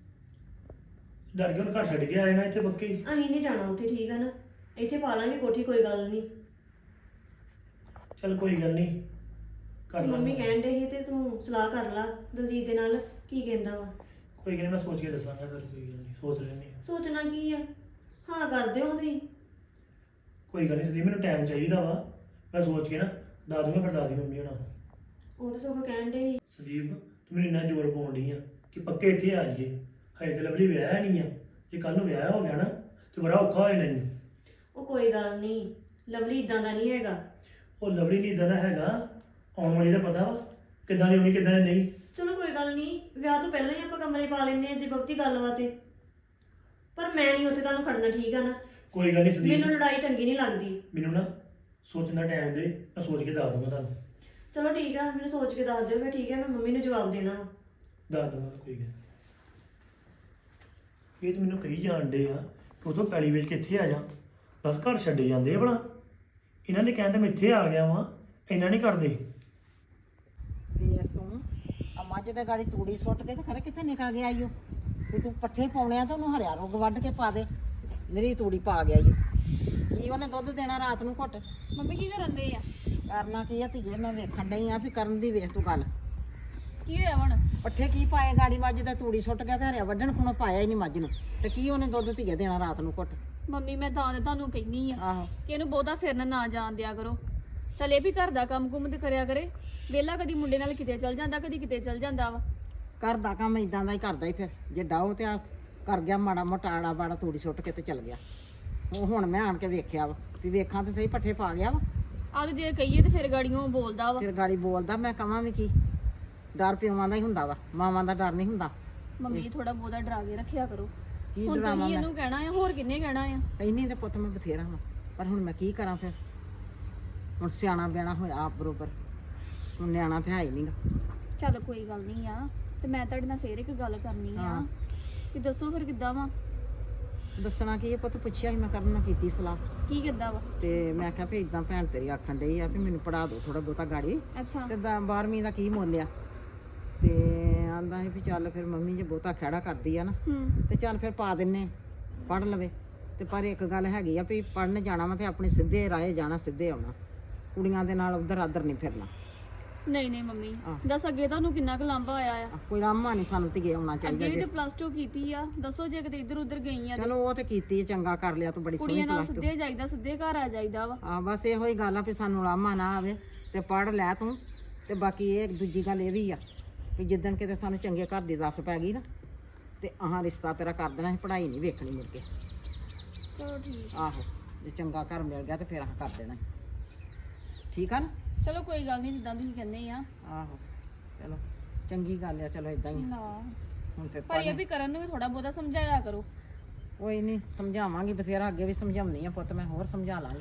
B: ਡਰ ਕੇ ਹੁਣ ਘਰ ਛੱਡ ਕੇ ਆਏ ਨਾ ਇੱਥੇ ਪੱਕੇ ਹੀ।
C: ਅਸੀਂ ਨਹੀਂ ਜਾਣਾ ਉੱਥੇ, ਠੀਕ ਆ ਨਾ? ਇੱਥੇ ਪਾ ਲਾਂਗੇ ਕੋਠੀ, ਕੋਈ ਗੱਲ ਨਹੀਂ।
B: ਚੱਲ ਕੋਈ ਗੱਲ ਨਹੀਂ, ਕਰ
C: ਮੰਮੀ
B: ਲਾਂਗੇ।
C: ਕਹਿਣ ਦੇ ਸੀ ਤੇ ਤੂੰ ਸਲਾਹ ਕਰ ਲਾ ਦਲਜੀਤ ਦੇ ਨਾਲ, ਕੀ ਕਹਿੰਦਾ ਵਾ।
B: ਕੋਈ ਗੱਲ ਨੀ, ਮੈਂ ਸੋਚ ਕੇ ਦੱਸਾਂਗਾ ਫਿਰ। ਕੋਈ ਗੱਲ ਨਹੀਂ, ਸੋਚ ਲੈਂਦੇ ਹਾਂ।
C: ਸੋਚਣਾ ਕੀ ਆ, ਹਾਂ ਕਰ ਦਿਓ ਤੁਸੀਂ।
B: ਕੋਈ ਗੱਲ ਨਹੀਂ ਸੰਦੀਪ, ਮੈਨੂੰ ਟਾਈਮ ਚਾਹੀਦਾ ਵਾ, ਮੈਂ ਸੋਚ ਕੇ ਨਾ ਦੱਸ ਦੂੰਗਾ ਫਿਰ ਦਾਦੀ ਮੰਮੀ ਹੋਣਾ ਨੂੰ।
C: ਉਹ ਤਾਂ ਸਗੋਂ ਕਹਿਣ ਦੇ ਸੀ।
B: ਸੰਦੀਪ ਤੂੰ ਮੈਨੂੰ ਇੰਨਾ ਜ਼ੋਰ ਪਾਉਣ ਡਈ ਆ ਕਿ ਪੱਕੇ ਇੱਥੇ ਆ ਜਾਈਏ। ਹਜੇ ਤੇ ਲਵਲੀ ਵਿਆਹਿਆ ਨਹੀਂ ਆ, ਜੇ ਕੱਲ ਨੂੰ ਵਿਆਹ ਹੋ ਗਿਆ ਨਾ ਤੇ ਬੜਾ ਔਖਾ ਹੋ ਜਾਣਾ ਈ।
C: ਉਹ ਕੋਈ ਗੱਲ ਨਹੀਂ, ਲਵਲੀ ਇਦਾਂ ਦਾ ਨਹੀਂ ਹੈਗਾ।
B: ਉਹ ਲਵਲੀ ਨਹੀਂ ਇਦਾਂ ਦਾ ਹੈਗਾ, ਆਉਣ ਵਾਲੀ ਦਾ ਪਤਾ ਵਾ ਕਿੱਦਾਂ ਦੀ ਹੋਣੀ ਕਿੱਦਾਂ ਦੀ ਨਹੀਂ।
C: ਚਲੋ ਕੋਈ ਗੱਲ ਨਹੀਂ, ਵਿਆਹ ਤੋਂ ਪਹਿਲਾਂ ਹੀ ਆਪਾਂ ਕਮਰੇ ਪਾ ਲੈਂਦੇ ਆ ਜੇ ਬਹੁਤੀ ਗੱਲ ਵਾ ਤੇ। ਪਰ ਮੈਂ ਨਹੀਂ ਉੱਥੇ ਤੁਹਾਨੂੰ ਖੜਨਾ, ਠੀਕ ਆ ਨਾ?
B: ਕੋਈ ਗੱਲ ਨਹੀਂ ਸੰਦੀਪ,
C: ਮੈਨੂੰ ਲੜਾਈ ਚੰਗੀ ਨਹੀਂ ਲੱਗਦੀ।
B: ਮੈਨੂੰ ਨਾ ਸੋਚਣ ਦਾ ਟਾਈਮ ਦੇ, ਮੈਂ ਸੋਚ ਕੇ ਦੱਸ ਦੂੰਗਾ ਤੁਹਾਨੂੰ।
C: ਚਲੋ ਠੀਕ ਆ, ਮੈਨੂੰ ਸੋਚ ਕੇ ਦੱਸ ਦਿਓ ਫਿਰ, ਠੀਕ ਹੈ? ਮੈਂ ਮੰਮੀ ਨੂੰ ਜਵਾਬ ਦੇਣਾ ਵਾ।
B: ਦੱਸ ਦੂੰਗਾ ਕੋਈ ਗੱਲ ਨੀ। ਇਹ ਤਾਂ ਮੈਨੂੰ ਕਹੀ ਜਾਣਦੇ ਆ ਕਿ ਉਥੋਂ ਪੈਲੀ ਵੇਚ ਕੇ ਇੱਥੇ ਆ ਜਾ, ਬਸ ਘਰ ਛੱਡੇ ਜਾਂਦੇ ਆ ਭਲਾ। ਇਹਨਾਂ ਦੇ ਕਹਿਣ ਤੇ ਮੈਂ ਇੱਥੇ ਆ ਗਿਆ ਵਾਂ, ਇੰਨਾ ਨਹੀਂ ਕਰਦੇ।
E: ਵੇਖ ਤੂੰ ਆ ਮੱਝ ਦੇ ਗਾੜੀ ਤੂੜੀ ਸੁੱਟ ਕੇ ਤੇ ਖਰੇ ਕਿੱਥੇ ਨਿਕਲ ਗਿਆ ਈਓ। ਵੀ ਤੂੰ ਪੱਠੇ ਪਾਉਣੇ ਆ ਤਾਂ ਉਹਨੂੰ ਹਰਿਆ ਰੁੱਗ ਵੱਢ ਕੇ ਪਾ ਦੇ, ਨਿਰੀ ਤੂੜੀ ਪਾ ਗਿਆ ਈਓ। ਕੀ ਉਹਨੇ ਦੁੱਧ ਦੇਣਾ ਰਾਤ ਨੂੰ ਘੁੱਟ?
D: ਮੰਮੀ ਕੀ ਕਰਨ ਦੇ ਆ?
E: ਕਰਨਾ ਕੀ ਆ ਧੀਏ, ਮੈਂ ਵੇਖਣ ਡਈ ਆ ਵੀ ਕਰਨ ਦੀ ਵੇਖ ਤੂੰ ਗੱਲ।
F: ਕੀ ਹੋਇਆ ਹੁਣ?
E: ਪੱਠੇ ਕੀ ਪਾਏ ਗਾੜੀ ਮੱਝ ਦਾ ਤੂੜੀ ਸੁੱਟ ਗਿਆ ਤੇ ਹਰਿਆ ਵੱਢਣ ਖੁਣੋਂ ਪਾਇਆ ਹੀ ਨਹੀਂ ਮੱਝ ਨੂੰ ਤੇ ਕੀ ਉਹਨੇ ਦੁੱਧ ਧੀਏ ਦੇਣਾ ਰਾਤ ਨੂੰ ਘੁੱਟ।
F: ਮੰਮੀ ਮੈਂ ਤਾਂ ਤੇ ਤੁਹਾਨੂੰ ਕਹਿਨੀ ਆ
E: ਆਹੋ
F: ਕਿ ਇਹਨੂੰ ਬਹੁਤਾ ਫਿਰਨ ਨਾ ਜਾਣ ਦਿਆ ਕਰੋ। ਚੱਲ ਇਹ ਵੀ ਘਰ ਦਾ ਕੰਮ ਕੁੰਮ ਤੇ ਕਰਿਆ ਕਰੇ। ਵੇਲਾ ਕਦੀ ਮੁੰਡੇ ਨਾਲ ਕਿਤੇ ਚੱਲ ਜਾਂਦਾ, ਕਦੀ ਕਿਤੇ ਚੱਲ ਜਾਂਦਾ ਵਾ।
E: ਘਰ ਦਾ ਕੰਮ ਇਦਾਂ ਦਾ ਹੀ ਕਰਦਾ ਹੀ ਫਿਰ ਜੇ ਡਾਓ ਤੇ ਆ ਕਰ ਗਿਆ ਮਾੜਾ ਮੋਟਾ ਆੜਾ ਬਾੜਾ ਤੂੜੀ ਸੁੱਟ ਕੇ ਤੇ ਚੱਲ ਗਿਆ। ਉਹ ਹੁਣ ਮੈਂ ਆਣ ਕੇ ਵੇਖਿਆ ਵਾ ਵੀ ਵੇਖਾਂ ਤੇ ਸਹੀ ਪੱਠੇ ਪਾ ਗਿਆ ਵਾ।
F: ਆਹ ਤੇ ਜੇ ਕਹੀਏ ਤੇ ਫਿਰ ਗਾੜੀਆਂ ਬੋਲਦਾ ਵਾ।
E: ਫਿਰ ਗਾੜੀ ਬੋਲਦਾ ਮੈਂ ਕਹਾਂ ਵੀ ਕੀ ਡਰ ਪਿਓਾਂ ਦਾ ਹੀ ਹੁੰਦਾ ਵਾ, ਮਾਵਾਂ ਦਾ ਡਰ ਨਹੀਂ ਹੁੰਦਾ।
F: ਮੰਮੀ ਥੋੜਾ ਬਹੁਤਾ ਡਰਾ ਕੇ ਰੱਖਿਆ ਕਰੋ।
E: ਕੀ
F: ਹੁਣ
E: ਡਰਾਵਾਂ
F: ਤੁਸੀਂ
E: ਮੈਂ
F: ਇਹਨੂੰ ਕਹਿਣਾ ਆ, ਹੋਰ ਕਿੰਨੇ ਕਹਿਣਾ ਆ?
E: ਇੰਨੀ ਤੇ ਪੁੱਤ ਮੈਂ ਬਥੇਰਾ ਵਾਂ ਪਰ ਹੁਣ ਮੈਂ ਕੀ ਕਰਾਂ ਫਿਰ। ਹੁਣ ਸਿਆਣਾ ਬਿਆਣਾ ਹੋਇਆ ਆਪ ਬਰੋਬਰ, ਹੁਣ ਨਿਆਣਾ ਤੇ ਹੈ ਹੀ ਨਹੀਂਗਾ।
F: ਚੱਲ ਕੋਈ ਗੱਲ ਨਹੀਂ ਆ। ਤੇ ਮੈਂ ਤੁਹਾਡੇ ਨਾਲ ਫੇਰ ਇੱਕ ਗੱਲ ਕਰਨੀ ਆ
E: ਹਾਂ।
F: ਕਿ ਦੱਸੋ ਫਿਰ ਕਿੱਦਾਂ ਵਾ?
E: ਦੱਸਣਾ ਕੀ ਇਹ ਪੁੱਤ ਪੁੱਛਿਆ ਸੀ ਮੈਂ ਕਰਨ ਨਾਲ ਕੀਤੀ ਸਲਾਹ
F: ਕੀ ਕਿੱਦਾਂ ਵਾ?
E: ਤੇ ਮੈਂ ਕਿਹਾ ਵੀ ਇਦਾਂ ਭੈਣ ਤੇਰੀ ਆਖਣ ਡਈ ਆ ਵੀ ਮੈਨੂੰ ਪੜਾ ਦਿਓ ਥੋੜਾ ਬਹੁਤਾ ਗਾੜੀ
F: ਅੱਛਾ।
E: ਤੇ 12ਵੀਂ ਦਾ ਕੀ ਮੁੱਲ ਆ ਤੇ ਆਂਦਾ ਸੀ ਵੀ ਚੱਲ ਫਿਰ ਮੰਮੀ ਜੇ ਬਹੁਤਾ ਖਹਿੜਾ ਕਰਦੀ ਆ ਨਾ ਤੇ ਚੱਲ ਫਿਰ ਪਾ ਦਿੰਨੇ ਪੜ ਲਵੇ। ਤੇ ਪਰ ਇੱਕ ਗੱਲ ਹੈਗੀ ਆ ਵੀ ਪੜਨ ਜਾਣਾ ਵਾ ਤੇ ਆਪਣੇ ਸਿੱਧੇ ਰਾਹੇ ਜਾਣਾ, ਸਿੱਧੇ ਆਉਣਾ, ਕੁੜੀਆਂ ਦੇ ਨਾਲ ਉਧਰ ਆਦਰ ਨਹੀਂ ਫਿਰਨਾ।
F: ਨਹੀਂ ਨਹੀਂ ਮੰਮੀ
E: ਆਹ।
F: ਦੱਸ ਅੱਗੇ ਤੁਹਾਨੂੰ ਕਿੰਨਾ ਕੁ ਲਾਂਭਾ ਆਇਆ ਆ?
E: ਕੋਈ ਰਾਮਾ ਨਹੀਂ ਸਾਨੂੰ ਧੀਏ ਆਉਣਾ ਚਾਹੀਦਾ
F: ਅੱਗੇ ਵੀ
E: ਜੇ
F: ਤੇ +2 ਕੀਤੀ ਆ। ਦੱਸੋ ਜੇ ਕਿਤੇ ਇੱਧਰ ਉੱਧਰ ਗਈ ਆ ਤੇ
E: ਚਲੋ ਉਹ ਤੇ ਕੀਤੀ ਚੰਗਾ ਕਰ ਲਿਆ ਤੂੰ, ਬੜੀ ਸੋਹਣੀ
F: ਕੁੜੀਆਂ ਨਾਲ
E: ਪਲੱਸ ਟੂ।
F: ਸਿੱਧੇ ਜਾਈਦਾ, ਸਿੱਧੇ ਘਰ ਆ ਜਾਈਦਾ ਵਾ।
E: ਆ ਬਸ ਇਹੋ ਹੀ ਗੱਲ ਆ ਵੀ ਸਾਨੂੰ ਲਾਮਾ ਨਾ ਆਵੇ ਤੇ ਪੜ ਲੈ ਤੂੰ। ਤੇ ਬਾਕੀ ਇਹ ਦੂਜੀ ਗੱਲ ਇਹ ਵੀ ਆ ਵੀ ਜਿੱਦਣ ਕਿਤੇ ਸਾਨੂੰ ਚੰਗੇ ਘਰ ਦੀ ਦੱਸ ਪੈ ਗਈ ਨਾ ਤੇ ਆਹ ਰਿਸ਼ਤਾ ਤੇਰਾ ਕਰ ਦੇਣਾ, ਪੜ੍ਹਾਈ ਨਹੀਂ ਵੇਖਣੀ ਮੁੜ ਕੇ।
F: ਚਲੋ ਠੀਕ।
E: ਆਹੋ ਜੇ ਚੰਗਾ ਘਰ ਮਿਲ ਗਿਆ ਤੇ ਫਿਰ ਆਹ ਕਰ ਦੇਣਾ, ਠੀਕ ਆ ਨਾ?
F: ਚਲੋ ਕੋਈ ਗੱਲ ਨਹੀਂ, ਜਿੱਦਾਂ ਤੁਸੀਂ ਕਹਿੰਦੇ ਆ।
E: ਆਹੋ ਚਲੋ ਚੰਗੀ ਗੱਲ ਆ, ਚਲੋ ਇਦਾਂ ਹੀ ਆ।
F: ਨਾ
E: ਹੁਣ ਫਿਰ
F: ਪਰ ਇਹ ਵੀ ਕਰਨ ਨੂੰ ਵੀ ਥੋੜਾ ਬਹੁਤਾ ਸਮਝਾਇਆ ਕਰੋ।
E: ਕੋਈ ਨਹੀਂ ਸਮਝਾਵਾਂਗੀ ਬਥੇਰਾ, ਅੱਗੇ ਵੀ ਸਮਝਾਉਣੀ ਆ ਪੁੱਤ, ਮੈਂ ਹੋਰ ਸਮਝਾ ਲਾਂਗੀ।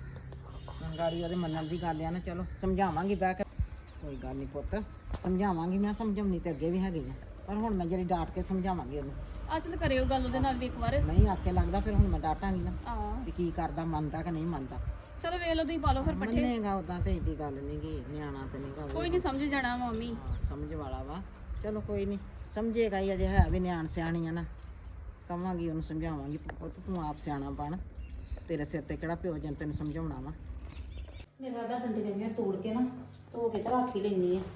E: ਹੁਣ ਗਾੜੀ ਉਹਦੇ ਮੰਨਣ ਦੀ ਗੱਲ ਆ ਨਾ, ਚਲੋ ਸਮਝਾਵਾਂਗੀ ਬਹਿ ਕੇ। ਕੋਈ ਗੱਲ ਨਹੀਂ ਪੁੱਤ, ਸਮਝਾਵਾਂਗੀ ਮੈਂ, ਸਮਝਾਉਣੀ ਤੇ ਅੱਗੇ ਵੀ ਹੈਗੀ ਆ ਪਰ ਹੁਣ ਮੈਂ ਜਿਹੜੀ ਡਾਂਟ ਕੇ ਸਮਝਾਵਾਂਗੀ ਉਹਨੂੰ।
F: ਅਸਲ ਕਰਿਓ ਗੱਲ ਉਹਦੇ ਨਾਲ ਵੀ ਇੱਕ ਵਾਰ।
E: ਨਹੀਂ ਆਖੇ ਲੱਗਦਾ ਫਿਰ ਹੁਣ ਮੈਂ ਡਾਂਟਾਂਗੀ ਨਾ
F: ਆ
E: ਵੀ ਕੀ ਕਰਦਾ, ਮੰਨਦਾ ਕਿ ਨਹੀਂ ਮੰਨਦਾ।
F: ਚਲੋ ਵੇਖ ਲਓ, ਤੁਸੀਂ ਪਾ ਲਓ ਫਿਰ ਪੱਠੇ।
E: ਮੰਨੇਗਾ ਉਦਾਂ ਤੇ ਏਡੀ ਗੱਲ ਨਹੀਂ ਗੀ, ਨਿਆਣਾ ਤੇ ਨਹੀਂਗਾ।
F: ਕੋਈ ਨਹੀਂ ਸਮਝ ਜਾਣਾ ਮੰਮੀ।
E: ਸਮਝ ਵਾਲਾ ਵਾ, ਚਲੋ ਕੋਈ ਨਹੀਂ ਸਮਝੇਗਾ ਹੀ, ਅਜੇ ਹੈ ਵੀ ਨਿਆਣ ਸਿਆਣੀ ਆ ਨਾ। ਕਵਾਂਗੀ ਉਹਨੂੰ, ਸਮਝਾਵਾਂਗੀ ਪੁੱਤ ਤੂੰ ਆਪ ਸਿਆਣਾ ਬਣ, ਤੇਰੇ ਸਿਰ ਤੇ ਕਿਹੜਾ ਪਿਓ ਜਨ ਤੈਨੂੰ ਸਮਝਾਉਣਾ ਵਾ।
D: ਮੇਰਾ ਦਾ ਦੰਦੀ ਵੇਂਦੀਆਂ ਤੋੜ ਕੇ ਨਾ ਧੋ ਕੇ ਤੇ ਰੱਖ ਹੀ ਲੈਣੀ ਆ।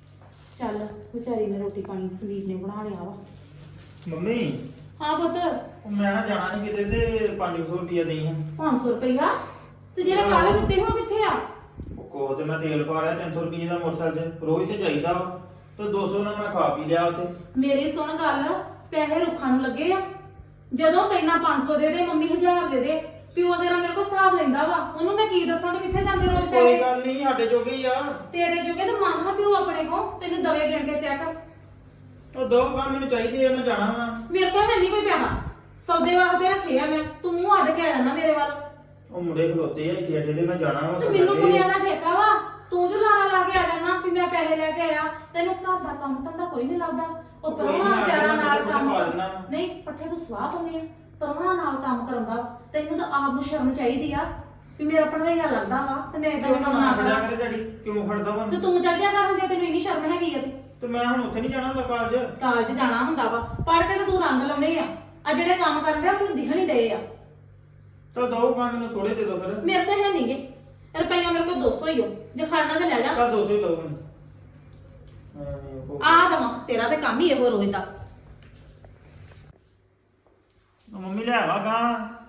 D: ਚੱਲ ਵਿਚਾਰੀ ਨੇ ਰੋਟੀ ਪਾਣੀ ਸੰਦੀਪ ਨੇ ਬਣਾ ਲਿਆ ਵਾ।
B: ਮੰਮੀ
D: ਹਾਂ ਪੁੱਤ,
B: ਉਹ ਮੈਂ ਨਾ ਜਾਣਾ ਸੀ ਕਿਤੇ ਤੇ 500 ਰੁਪਇਆ ਦੇਈ ਹਾਂ।
D: 500 ਰੁਪਇਆ ਤੇ ਜਿਹੜੇ ਕਾਲੇ ਦਿੱਤੇ ਹੋ ਕਿੱਥੇ ਆ?
B: ਉਹ ਕੋਹ ਤੇ ਮੈਂ ਤੇਲ ਪਾ ਲਿਆ 300 ਰੁਪਏ ਦਾ ਮੋਟਰਸਾਈਕਲ ਤੇ, ਰੋਜ਼ ਤੇ ਜਾਈਦਾ ਵਾ ਤੇ 200 ਨਾਲ ਮੈਂ ਖਾ ਪੀ ਲਿਆ ਉੱਥੇ।
D: ਮੇਰੀ ਸੁਣ ਗੱਲ, ਪੈਸੇ ਰੁੱਖਾਂ ਨੂੰ ਲੱਗੇ ਆ। ਜਦੋਂ ਪਹਿਲਾਂ 500 ਦੇ ਦੇ, ਮੰਮੀ 1000 ਦੇ ਦੇ, ਪਿਓ ਤੇਰਾ ਮੇਰੇ ਕੋਲ ਹਿਸਾਬ ਲੈਂਦਾ ਵਾ। ਉਹਨੂੰ ਮੈਂ ਕੀ ਦੱਸਾਂ ਕਿ ਕਿੱਥੇ ਜਾਂਦੇ ਰੋਜ਼
B: ਕੋਈ
D: ਪੈਸੇ?
B: ਗੱਲ ਨਹੀਂ, ਸਾਡੇ ਜੋਗੇ ਹੀ ਆ।
D: ਤੇਰੇ ਜੋਗੇ ਤੇ ਮੰਗਾ ਪਿਓ ਆਪਣੇ ਕੋ, ਤੈਨੂੰ ਦਵੇ ਗਿਣ ਕੇ ਚੈੱਕ।
B: ਉਹ ਦੋ ਕੰਮ ਮੈਨੂੰ ਚਾਹੀਦੇ ਆ, ਮੈਂ ਜਾਣਾ ਵਾ।
D: ਮੇਰੇ ਕੋਲ ਹੈ ਨਹੀਂ ਕੋਈ ਪੈਸਾ, ਸੌਦੇ ਵਾਸਤੇ ਰੱਖੇ ਆ ਮੈਂ। ਤੂੰ ਮੂੰਹ ਅੱਡ ਕੇ ਆ ਜਾਂਦਾ ਮੇਰੇ ਵੱਲ।
B: ਉਹ ਮੁੰਡੇ ਖਲੋਤੇ ਆ ਇੱਥੇ ਅੱਡੇ ਤੇ, ਮੈਂ ਜਾਣਾ ਵਾ।
D: ਤੇ ਮੈਨੂੰ ਮੁੰਡਿਆਂ ਦਾ ਠੇਕਾ ਵਾ, ਤੂੰ ਜੋ ਲਾਰਾ ਲਾ ਕੇ ਆ ਜਾਣਾ ਵੀ ਮੈਂ ਪੈਸੇ ਲੈ ਕੇ ਆਇਆ। ਤੈਨੂੰ ਘਰ ਦਾ ਕੰਮ ਧੰਦਾ ਕੋਈ ਨਹੀਂ ਲੱਭਦਾ। ਉਹ
B: ਕੋਈ ਨੀ,
D: ਪਰੋਣਾ
B: ਆ
D: ਵਿਚਾਰਾ
B: ਜਾਣਾ,
D: ਨਾਲ
B: ਪੱਠੇ
D: ਕੰਮ
B: ਪਾ ਦੇਣਾ।
D: ਨਹੀਂ, ਪੱਠੇ ਤੂੰ ਸਵਾਹ ਪਾਉਣੀ ਆ, ਪਰੋਣਾ ਨਾਲ ਕੰਮ ਕਰਾਉਂਦਾ ਵਾ। ਤੈਨੂੰ ਤਾਂ ਆਪ ਨੂੰ ਸ਼ਰਮ ਚਾਹੀਦੀ ਆ ਵੀ ਮੇਰਾ ਪੜ੍ਹਾਈਆ ਲੱਗਦਾ ਵਾ ਤੇ ਮੈਂ ਇਦਾਂ ਦੇ ਕੰਮ ਨਾ ਕਰਾਂ।
B: ਕਰੇ ਡੈਡੀ ਕਿਉਂ ਖੜਦਾ ਵਾ?
D: ਤੇ ਤੂੰ ਚੱਲ ਜਾ ਕਰ ਜੇ ਤੈਨੂੰ ਇੰਨੀ ਸ਼ਰਮ ਹੈਗੀ ਆ ਤੇ।
B: ਤੇ ਮੈਂ ਹੁਣ ਉੱਥੇ ਨਹੀਂ ਜਾਣਾ ਹੁੰਦਾ ਕਾਲਜ।
D: ਕਾਲਜ ਜਾਣਾ ਹੁੰਦਾ ਵਾ, ਪੜ੍ਹ ਕੇ ਤਾਂ ਤੂੰ ਰੰਗ ਲਾਉਣੇ ਆ। ਆ ਜਿਹੜੇ ਕੰਮ ਕਰਨ ਡਿਆ ਮੈਨੂੰ ਦਿਖਣ ਹੀ ਡਏ ਆ।
B: ਤਾਂ ਦੋ ਕੰਮ ਮੈਨੂੰ ਥੋੜੇ ਦੇ ਦੋ ਫਿਰ।
D: ਮੇਰੇ ਕੋਲ ਹੈ ਨਹੀਂਗੇ ਰੁਪਈਆ, ਮੇਰੇ ਕੋਲ 200 ਹੀ ਹੋ, ਜੇ ਖੜਨਾ ਤੇ ਲੈ ਜਾ।
B: ਤਾਂ 200 ਹੀ ਦੋ ਮੈਨੂੰ।
D: ਆ ਦਵਾਂ, ਤੇਰਾ ਤੇ ਕੰਮ ਹੀ ਇਹੋ ਰੋਜ਼ ਦਾ।
B: ਮੰਮੀ ਲੈ ਆਵਾ ਗਾ।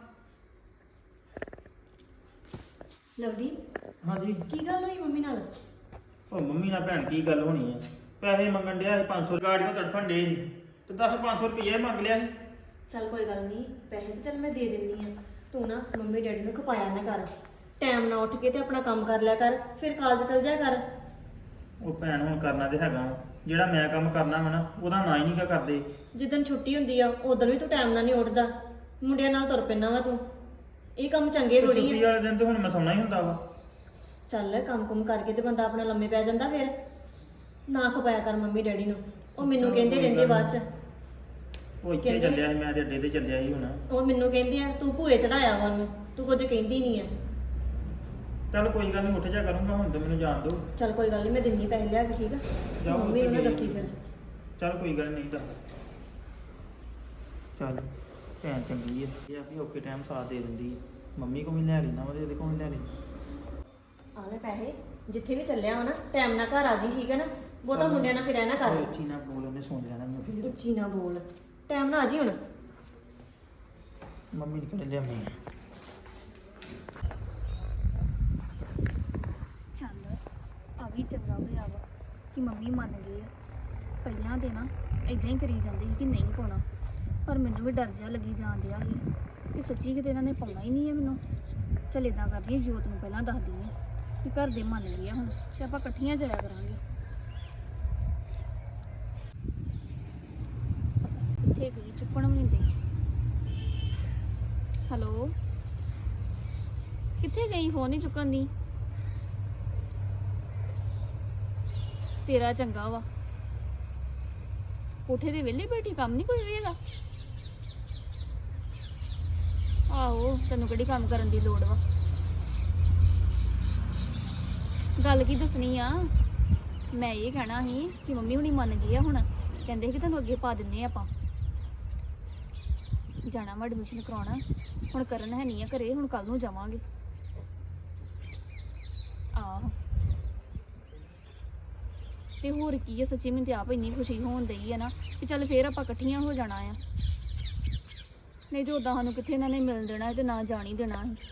C: ਲਵਲੀ,
B: ਹਾਂਜੀ।
C: ਕੀ ਗੱਲ ਹੋਈ ਮੰਮੀ ਨਾਲ?
B: ਉਹ ਮੰਮੀ ਨਾਲ ਭੈਣ ਕੀ ਗੱਲ ਹੋਣੀ ਆ? ਪੈਸੇ ਮੰਗਣ ਡਿਆ ਸੀ 500 ਗਾੜੀਆਂ ਤੜਫਣ ਡੇ ਸੀ ਤੇ 500 ਰੁਪਏ ਮੰਗ ਲਿਆ ਸੀ।
C: ਚੱਲ ਕੋਈ ਗੱਲ ਨਹੀਂ, ਪੈਸੇ ਤਾਂ ਚੱਲ ਮੈਂ ਦੇ ਦਿੰਨੀ ਆ। ਤੂੰ ਨਾ ਮੰਮੀ ਡੈਡੀ ਨੂੰ ਖਪਾਇਆ ਨਾ ਕਰ, ਟਾਈਮ ਨਾਲ ਉੱਠ ਕੇ ਤੇ ਆਪਣਾ ਕੰਮ ਕਰ ਲਿਆ ਕਰ, ਫਿਰ ਕਾਲਜ ਚਲ ਜਾ ਕਰ।
B: ਉਹ ਭੈਣ ਹੁਣ ਕਰਨਾ ਤੇ ਹੈਗਾ ਵਾ। ਜਿਹੜਾ ਮੈਂ ਕੰਮ ਕਰਨਾ ਵਾ ਨਾ ਉਹਦਾ ਨਾ ਹੀ ਨਹੀਂ ਕਰਦੇ।
C: ਜਿੱਦਣ ਛੁੱਟੀ ਹੁੰਦੀ ਆ ਉਦੋਂ ਵੀ ਤੂੰ ਟਾਈਮ ਨਾਲ ਨਹੀਂ ਉੱਠਦਾ, ਮੁੰਡਿਆਂ ਨਾਲ ਤੁਰ ਪੈਣਾ ਵਾ ਤੂੰ। ਇਹ ਕੰਮ ਚੰਗੇ
B: ਤੇ
C: ਥੋੜੀ
B: ਛੁੱਟੀ
C: ਆ।
B: ਵਾਲੇ ਦਿਨ ਤੇ ਹੁਣ ਮੈਂ ਸੌਣਾ ਹੀ ਹੁੰਦਾ ਵਾ।
C: ਚੱਲ ਕੰਮ ਕਰਕੇ ਤੇ ਬੰਦਾ ਆਪਣਾ ਲੰਮੇ ਪੈ ਜਾਂਦਾ, ਫਿਰ ਨਾ ਖਪਾਇਆ ਕਰ ਮੰਮੀ ਡੈਡੀ ਨੂੰ। ਉਹ ਮੈਨੂੰ
B: ਚਲੋ
C: ਕਹਿੰਦੇ
B: ਕੋਈ
C: ਰਹਿੰਦੇ
B: ਗੱਲ
C: ਬਾਅਦ ਚ।
B: ਉਹ ਇੱਥੇ
C: ਕਹਿੰਦੇ
B: ਚੱਲਿਆ ਸੀ, ਮੈਂ ਤੇ ਅੱਡੇ ਤੇ ਚੱਲਿਆ ਸੀ ਹੁਣ।
C: ਉਹ ਮੈਨੂੰ ਕਹਿੰਦੇ ਆ ਤੂੰ ਭੂਏ ਚੜਾਇਆ ਵਾ ਉਹਨੂੰ, ਤੂੰ ਕੁਝ ਕਹਿੰਦੀ ਨਹੀਂ ਆ।
B: ਚੱਲ ਕੋਈ ਗੱਲ ਨਹੀਂ, ਉੱਠ ਜਾ ਕਰੂੰਗਾ, ਹੁਣ ਤਾਂ ਮੈਨੂੰ ਜਾਣ ਦਿਓ।
C: ਚੱਲ ਕੋਈ ਗੱਲ ਨਹੀਂ, ਮੈਂ ਦਿੰਨੀ ਪੈਸੇ ਲਿਆ ਕੇ, ਠੀਕ ਆ?
B: ਜਾਓ
C: ਮੰਮੀ ਨੂੰ ਨਾ
B: ਉੱਥੇ
C: ਦੱਸੀ ਫਿਰ।
B: ਚੱਲ ਕੋਈ ਗੱਲ ਨਹੀਂ ਤਾਂ। ਚੱਲ ਭੈਣ ਚੰਗੀ ਹੈ, ਇਹ ਆ ਵੀ ਔਖੇ ਟਾਈਮ ਸਾਥ ਦੇ ਦਿੰਦੀ ਹੈ। ਮੰਮੀ ਕੋਲ ਵੀ ਲੈ ਲੈਣਾ ਵਾ ਤੇ ਇਹਦੇ ਕੋਲ ਵੀ ਲੈ ਲੈਣਾ।
C: ਆ ਲੈ ਪੈਸੇ, ਜਿੱਥੇ ਵੀ ਚੱਲਿਆ ਵਾ ਨਾ ਟਾਈਮ ਨਾਲ ਘਰ ਆ ਜੀ, ਠੀਕ ਹੈ ਨਾ? ਬਹੁਤਾ ਮੁੰਡਿਆਂ ਨਾਲ ਫਿਰ ਐ ਨਾ ਕਰ
B: ਉੱਚੀ ਨਾ ਬੋਲ, ਉਹਨੇ ਸੁਣ ਜਾਣਾ ਮੈਂ ਫਿਰ
C: ਉੱਚੀ ਨਾ ਬੋਲ, ਟਾਈਮ ਨਾਲ ਆ ਜੀ ਹੁਣ।
B: ਮੰਮੀ ਨੇ ਕਿਹੜੇ ਲਿਆਉਣੀ ਆ।
F: ਚੱਲ ਆ ਵੀ ਚੰਗਾ ਹੋਇਆ ਵਾ ਕਿ ਮੰਮੀ ਮੰਨ ਗਏ ਆ। ਪਹਿਲਾਂ ਤੇ ਨਾ ਇਦਾਂ ਹੀ ਕਰੀ ਜਾਂਦੇ ਸੀ ਕਿ ਨਹੀਂ ਪਾਉਣਾ, ਪਰ ਮੈਨੂੰ ਵੀ ਡਰ ਜਿਹਾ ਲੱਗੀ ਜਾਣ ਡਿਆ ਸੀ ਕਿ ਸੱਚੀ ਕਿਤੇ ਇਹਨਾਂ ਨੇ ਪਾਉਣਾ ਹੀ ਨਹੀਂ ਹੈ ਮੈਨੂੰ। ਚੱਲ ਇਦਾਂ ਕਰਦੀ ਹਾਂ, ਜੋਤ ਨੂੰ ਪਹਿਲਾਂ ਦੱਸਦੀ ਹਾਂ ਕਿ ਘਰ ਦੇ ਮੰਨ ਗਏ ਆ ਹੁਣ, ਤੇ ਆਪਾਂ ਇਕੱਠੀਆਂ ਜਾਇਆ ਕਰਾਂਗੇ। ਕਿੱਥੇ ਗਈ, ਚੁੱਕਣ ਵੀ ਨਹੀਂ ਦੇ। ਹੈਲੋ, ਕਿੱਥੇ ਗਈ, ਫੋਨ ਨਹੀਂ ਚੁੱਕਣ ਦੀ। ਤੇਰਾ ਚੰਗਾ ਵਾ, ਕੋਠੇ ਦੇ ਵਿਹਲੇ ਬੈਠੀ, ਕੰਮ ਨਹੀਂ ਕੋਈ ਵੀ ਹੈਗਾ। ਆਹੋ, ਤੈਨੂੰ ਕਿਹੜੀ ਕੰਮ ਕਰਨ ਦੀ ਲੋੜ ਵਾ। ਗੱਲ ਕੀ ਦੱਸਣੀ ਆ, ਮੈਂ ਇਹ ਕਹਿਣਾ ਸੀ ਕਿ ਮੰਮੀ ਹੁਣੀ ਮੰਨ ਗਈ ਆ ਹੁਣ, ਕਹਿੰਦੇ ਸੀ ਕਿ ਤੁਹਾਨੂੰ ਅੱਗੇ ਪਾ ਦਿੰਨੇ ਆ ਆਪਾਂ। ਜਾਣਾ ਵਾ ਐਡਮਿਸ਼ਨ ਕਰਾਉਣਾ, ਹੁਣ ਕਰਨ ਹੈ ਨਹੀਂ ਆ ਘਰੇ, ਹੁਣ ਕੱਲ ਨੂੰ ਜਾਵਾਂਗੇ। ਆਹੋ, ਤੇ ਹੋਰ ਕੀ ਹੈ, ਸੱਚੀ ਮੈਨੂੰ ਤੇ ਆਪ ਇੰਨੀ ਖੁਸ਼ੀ ਹੋਣ ਡਈ ਹੈ ਨਾ ਕਿ ਚੱਲ ਫੇਰ ਆਪਾਂ ਇਕੱਠੀਆਂ ਹੋ ਜਾਣਾ ਆ। ਨਹੀਂ ਤੇ ਉਦਾਂ ਸਾਨੂੰ ਕਿੱਥੇ ਇਹਨਾਂ ਨੇ ਮਿਲਣ ਦੇਣਾ ਤੇ ਨਾ ਜਾਣ ਹੀ ਦੇਣਾ ਸੀ।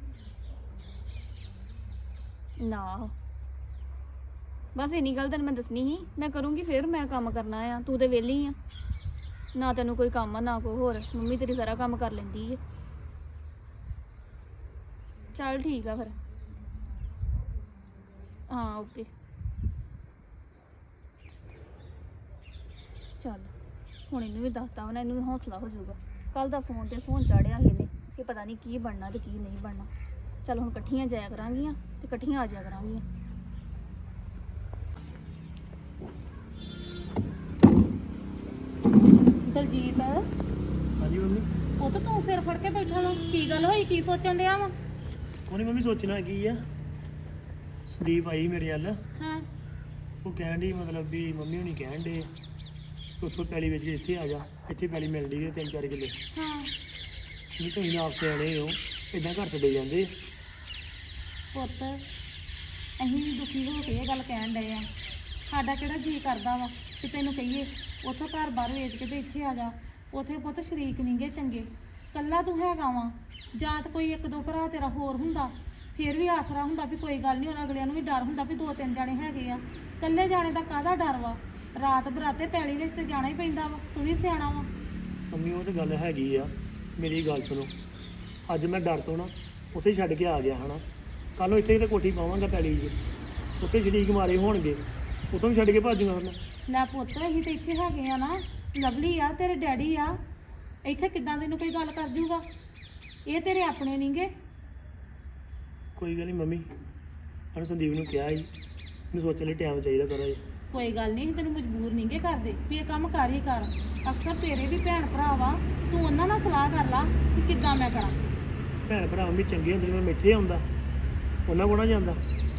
F: ਨਾ ਬਸ ਇੰਨੀ ਗੱਲ ਤੈਨੂੰ ਮੈਂ ਦੱਸਣੀ ਸੀ, ਮੈਂ ਕਰੂੰਗੀ ਫੇਰ, ਮੈਂ ਕੰਮ ਕਰਨਾ ਆ, ਤੂੰ ਤੇ ਵਿਹਲੀ ਆ ਨਾ, ਤੈਨੂੰ ਕੋਈ ਕੰਮ ਆ ਨਾ ਕੋਈ ਹੋਰ, ਮੰਮੀ ਤੇਰੀ ਸਾਰਾ ਕੰਮ ਕਰ ਲੈਂਦੀ ਹੈ। ਚੱਲ ਠੀਕ ਆ ਫਿਰ, ਹਾਂ ਓਕੇ। ਚੱਲ ਹੁਣ ਇਹਨੂੰ ਵੀ ਦੱਸਤਾ ਵਾ ਨਾ, ਇਹਨੂੰ ਵੀ ਹੌਸਲਾ ਹੋ ਜਾਊਗਾ। ਕੱਲ ਦਾ ਫੋਨ ਤੇ ਫੋਨ ਚਾੜਿਆ ਸੀ ਇਹਨੇ ਕਿ ਪਤਾ ਨਹੀਂ ਕੀ ਬਣਨਾ ਤੇ ਕੀ ਨਹੀਂ ਬਣਨਾ। ਚੱਲ ਹੁਣ ਇਕੱਠੀਆਂ ਜਾਇਆ ਕਰਾਂਗੀਆਂ ਤੇ ਇਕੱਠੀਆਂ ਆ ਜਾਇਆ ਕਰਾਂਗੀਆਂ। ਦਲਜੀਤ,
B: ਹਾਂਜੀ ਮੰਮੀ।
D: ਉਹ ਤਾਂ ਤੂੰ ਸਿਰ ਫੜ ਕੇ ਬੈਠਾ ਵਾ, ਕੀ ਗੱਲ ਹੋਈ, ਕੀ ਸੋਚਣ ਡਿਆ ਵਾ?
B: ਕੋਈ ਨਹੀਂ ਮੰਮੀ, ਸੋਚਣਾ ਕੀ ਆ, ਸੰਦੀਪ ਆਈ ਮੇਰੇ ਵੱਲ,
D: ਹਾਂ,
B: ਉਹ ਕਹਿਣ ਡਈ ਮਤਲਬ ਵੀ ਮੰਮੀ ਹੁਣੀ ਕਹਿਣ ਡੇ ਉੱਥੋਂ ਪੈਲੀ ਵਿੱਚ ਇੱਥੇ ਆ ਜਾ, ਇੱਥੇ ਪੈਲੀ ਮਿਲ ਰਹੀ ਹੈ 3-4 ਕਿੱਲੇ।
D: ਹਾਂ
B: ਨਹੀਂ ਤੁਸੀਂ ਆਪ ਸਿਆਣੇ ਹੋ, ਇਦਾਂ ਘਰ ਛੱਡੇ ਜਾਂਦੇ।
D: ਪੁੱਤ, ਅਸੀਂ ਵੀ ਦੁਖੀ ਹੋ ਕੇ ਇਹ ਗੱਲ ਕਹਿਣ ਡਏ ਆ। ਸਾਡਾ ਕਿਹੜਾ ਜੀ ਕਰਦਾ ਵਾ ਕਿ ਤੈਨੂੰ ਕਹੀਏ ਉੱਥੋਂ ਘਰ ਬਾਹਰ ਵੇਚ ਕੇ ਤੇ ਇੱਥੇ ਆ ਜਾ। ਉੱਥੇ ਪੁੱਤ ਸ਼ਰੀਕ ਨਹੀਂਗੇ ਚੰਗੇ, ਕੱਲਾ ਤੂੰ ਹੈਗਾ ਵਾ, ਜਾਂ ਤਾਂ ਕੋਈ 1-2 ਭਰਾ ਤੇਰਾ ਹੋਰ ਹੁੰਦਾ ਫਿਰ ਵੀ ਆਸਰਾ ਹੁੰਦਾ ਵੀ ਕੋਈ ਗੱਲ ਨਹੀਂ, ਉਹਨਾਂ ਅਗਲਿਆਂ ਨੂੰ ਵੀ ਡਰ ਹੁੰਦਾ ਵੀ 2-3 ਜਾਣੇ ਹੈਗੇ ਆ। ਕੱਲੇ ਜਾਣੇ ਦਾ ਕਾਹਦਾ ਡਰ ਵਾ, ਰਾਤ ਬਰਾਤੇ ਪੈਲੀ ਵਿੱਚ ਤੇ ਜਾਣਾ ਹੀ ਪੈਂਦਾ ਵਾ, ਤੂੰ ਵੀ ਸਿਆਣਾ ਵਾ।
B: ਮੰਮੀ ਉਹ ਤਾਂ ਗੱਲ ਹੈਗੀ ਆ, ਮੇਰੀ ਗੱਲ ਸੁਣੋ, ਅੱਜ ਮੈਂ ਡਰ ਤੋਂ ਨਾ ਉੱਥੇ ਛੱਡ ਕੇ ਆ ਗਿਆ ਹਨਾ, ਕੱਲ ਨੂੰ ਇੱਥੇ ਤੇ ਕੋਠੀ ਪਾਵਾਂਗਾ ਪੈਲੀ 'ਚ, ਉੱਥੇ ਸ਼ਰੀਕ ਮਾਰੇ ਹੋਣਗੇ, ਉੱਥੋਂ ਵੀ ਛੱਡ ਕੇ ਭੱਜੂਗਾ ਹੁਣ।
D: ਲੈ ਪੁੱਤ, ਅਸੀਂ ਤੇ ਇੱਥੇ ਹੈਗੇ ਆ ਨਾ, ਲਵਲੀ ਆ ਤੇਰੇ ਡੈਡੀ ਆ, ਇੱਥੇ ਕਿੱਦਾਂ ਤੈਨੂੰ ਕੋਈ ਗੱਲ ਕਰ ਜੂਗਾ? ਇਹ ਤੇਰੇ ਆਪਣੇ ਨਹੀਂਗੇ।
B: ਕੋਈ ਗੱਲ ਨਹੀਂ ਮੰਮੀ, ਉਹਨੇ ਸੰਦੀਪ ਨੂੰ ਕਿਹਾ ਸੀ ਮੈਨੂੰ ਸੋਚਣ ਲਈ ਟਾਈਮ ਚਾਹੀਦਾ ਥੋੜ੍ਹਾ ਜਿਹਾ।
D: ਕੋਈ ਗੱਲ ਨਹੀਂ, ਤੈਨੂੰ ਮਜਬੂਰ ਨਹੀਂਗੇ ਕਰਦੇ ਵੀ ਇਹ ਕੰਮ ਕਰ ਹੀ ਕਰ। ਅਕਸਰ ਤੇਰੇ ਵੀ ਭੈਣ ਭਰਾ ਵਾ, ਤੂੰ ਉਹਨਾਂ ਨਾਲ ਸਲਾਹ ਕਰ ਲਾ ਕਿ ਕਿੱਦਾਂ ਮੈਂ ਕਰਾਂ।
B: ਭੈਣ ਭਰਾ ਮੰਮੀ ਚੰਗੇ ਹੁੰਦੇ, ਮੈਂ ਇੱਥੇ ਆਉਂਦਾ ਉਹਨਾਂ ਕੋਲ ਨਾ ਜਾਂਦਾ।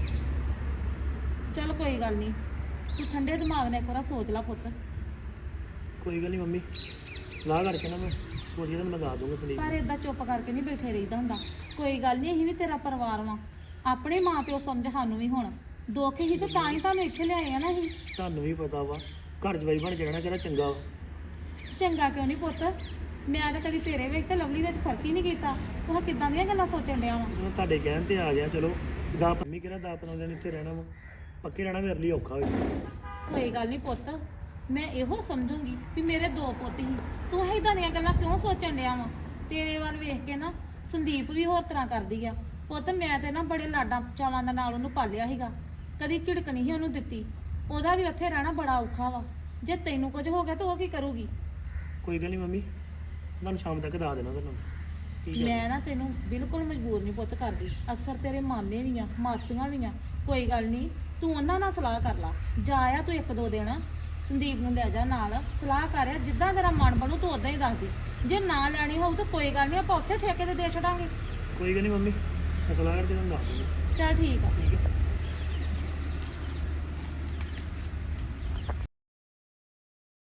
D: ਚੱਲ ਕੋਈ ਗੱਲ ਨਹੀਂ, ਤੂੰ ਠੰਡੇ ਦਿਮਾਗ ਨਾਲ ਇੱਕ ਵਾਰ ਸੋਚ ਲੈ ਪੁੱਤ।
B: ਕੋਈ ਗੱਲ ਨਹੀਂ ਮੰਮੀ, ਸਲਾਹ ਕਰਕੇ ਨਾ ਮੈਂ ਸੋਚ ਕੇ ਤੁਹਾਨੂੰ ਮੈਂ ਦੱਸ ਦੂੰਗਾ ਸੰਦੀਪ
D: ਪਰ
B: ਨੂੰ।
D: ਏਦਾਂ ਚੁੱਪ ਕਰਕੇ ਨਹੀਂ ਬੈਠੇ ਰਹੀਦਾ ਹੁੰਦਾ। ਕੋਈ ਗੱਲ ਨਹੀਂ, ਅਸੀਂ ਵੀ ਤੇਰਾ ਪਰਿਵਾਰ ਵਾਂ, ਆਪਣੇ ਮਾਂ ਪਿਓ ਸਮਝ ਸਾਨੂੰ ਵੀ ਹੁਣ ਦੁੱਖ ਹੀ ਤੇ ਤਾਂ ਹੀ ਤੁਹਾਨੂੰ ਇੱਥੇ ਲਿਆਏ ਆ ਨਾ ਅਸੀਂ।
B: ਤੁਹਾਨੂੰ ਵੀ ਪਤਾ ਵਾ ਘਰ ਜਵਾਈ ਬਣ ਕੇ ਰਹਿਣਾ ਕਿਹੜਾ ਚੰਗਾ ਵਾ।
D: ਚੰਗਾ ਕਿਉਂ ਨਹੀਂ ਪੁੱਤ, ਮੈਂ ਤਾਂ ਕਦੀ ਤੇਰੇ ਵਿੱਚ ਤੇ ਲਵਲੀ ਵਿੱਚ ਫਰਕ ਹੀ ਨਹੀਂ ਕੀਤਾ। ਤੂੰ ਕਿੱਦਾਂ ਦੀਆਂ ਗੱਲਾਂ ਸੋਚਣ ਡਿਆ ਵਾ?
B: ਹੁਣ ਤੁਹਾਡੇ ਕਹਿਣ ਤੇ ਆ ਗਿਆ, ਚਲੋ ਮੰਮੀ ਕਿਹੜਾ 10-15 ਦਿਨ ਇੱਥੇ ਰਹਿਣਾ ਵਾ, ਪੱਕੇ ਰਹਿਣਾ ਮੇਰੇ ਲਈ ਔਖਾ ਹੋਇਆ।
D: ਕੋਈ ਗੱਲ ਨਹੀਂ ਪੁੱਤ, ਮੈਂ ਇਹੋ ਸਮਝੂੰਗੀ ਵੀ ਮੇਰੇ 2 ਪੁੱਤ ਹੀ, ਤੂੰ ਇਦਾਂ ਦੀਆਂ ਗੱਲਾਂ ਕਿਉਂ ਸੋਚਣ ਡਿਆ ਵਾ? ਤੇਰੇ ਵੱਲ ਵੇਖ ਕੇ ਨਾ ਸੰਦੀਪ ਵੀ ਹੋਰ ਤਰ੍ਹਾਂ ਕਰਦੀ ਆ। ਪੁੱਤ ਮੈਂ ਤੇ ਨਾ ਬੜੇ ਲਾਡਾਂ ਚਾਵਾਂ ਦੇ ਨਾਲ ਉਹਨੂੰ ਪਾਲਿਆ ਸੀਗਾ, ਕਦੀ ਝਿੜਕ ਨਹੀਂ ਸੀ ਉਹਨੂੰ ਦਿੱਤੀ। ਉਹਦਾ ਵੀ ਉੱਥੇ ਰਹਿਣਾ ਬੜਾ ਔਖਾ ਵਾ, ਜੇ ਤੈਨੂੰ ਕੁਝ ਹੋ ਗਿਆ ਤਾਂ ਉਹ ਕੀ ਕਰੂਗੀ?
B: ਕੋਈ ਗੱਲ ਨਹੀਂ ਮੰਮੀ, ਤੁਹਾਨੂੰ ਸ਼ਾਮ ਤੱਕ ਦੱਸ ਦੇਣਾ ਤੁਹਾਨੂੰ। ਠੀਕ ਹੈ
D: ਮੈਂ ਨਾ ਤੈਨੂੰ ਬਿਲਕੁਲ ਮਜਬੂਰ ਨਹੀਂ ਪੁੱਤ ਕਰਦੀ। ਅਕਸਰ ਤੇਰੇ ਮਾਮੇ ਵੀ ਆ, ਮਾਸੀਆਂ ਵੀ ਆ, ਕੋਈ ਗੱਲ ਨਹੀਂ, ਤੂੰ ਉਹਨਾਂ ਨਾਲ ਸਲਾਹ ਕਰ ਲਾ। ਜਾ ਆ ਤੂੰ 1-2 ਦਿਨ, ਸੰਦੀਪ ਨੂੰ ਲੈ ਜਾ ਨਾਲ, ਸਲਾਹ ਕਰ ਆ, ਜਿੱਦਾਂ ਤੇਰਾ ਮਨ ਬਣੂ ਤੂੰ ਉਦਾਂ ਹੀ ਦੱਸ ਦੇ। ਜੇ ਨਾ ਲੈਣੀ ਹੋਊ ਤਾਂ ਕੋਈ ਗੱਲ ਨਹੀਂ, ਆਪਾਂ ਉੱਥੇ ਠੇਕੇ ਤੇ ਦੇ ਛੱਡਾਂਗੇ।
B: ਕੋਈ ਗੱਲ ਨਹੀਂ ਮੰਮੀ, ਮੈਂ ਸਲਾਹ ਕਰਕੇ ਤੁਹਾਨੂੰ ਦੱਸ ਦੂੰਗਾ।
D: ਚੱਲ ਠੀਕ ਆ।
B: ਠੀਕ ਹੈ।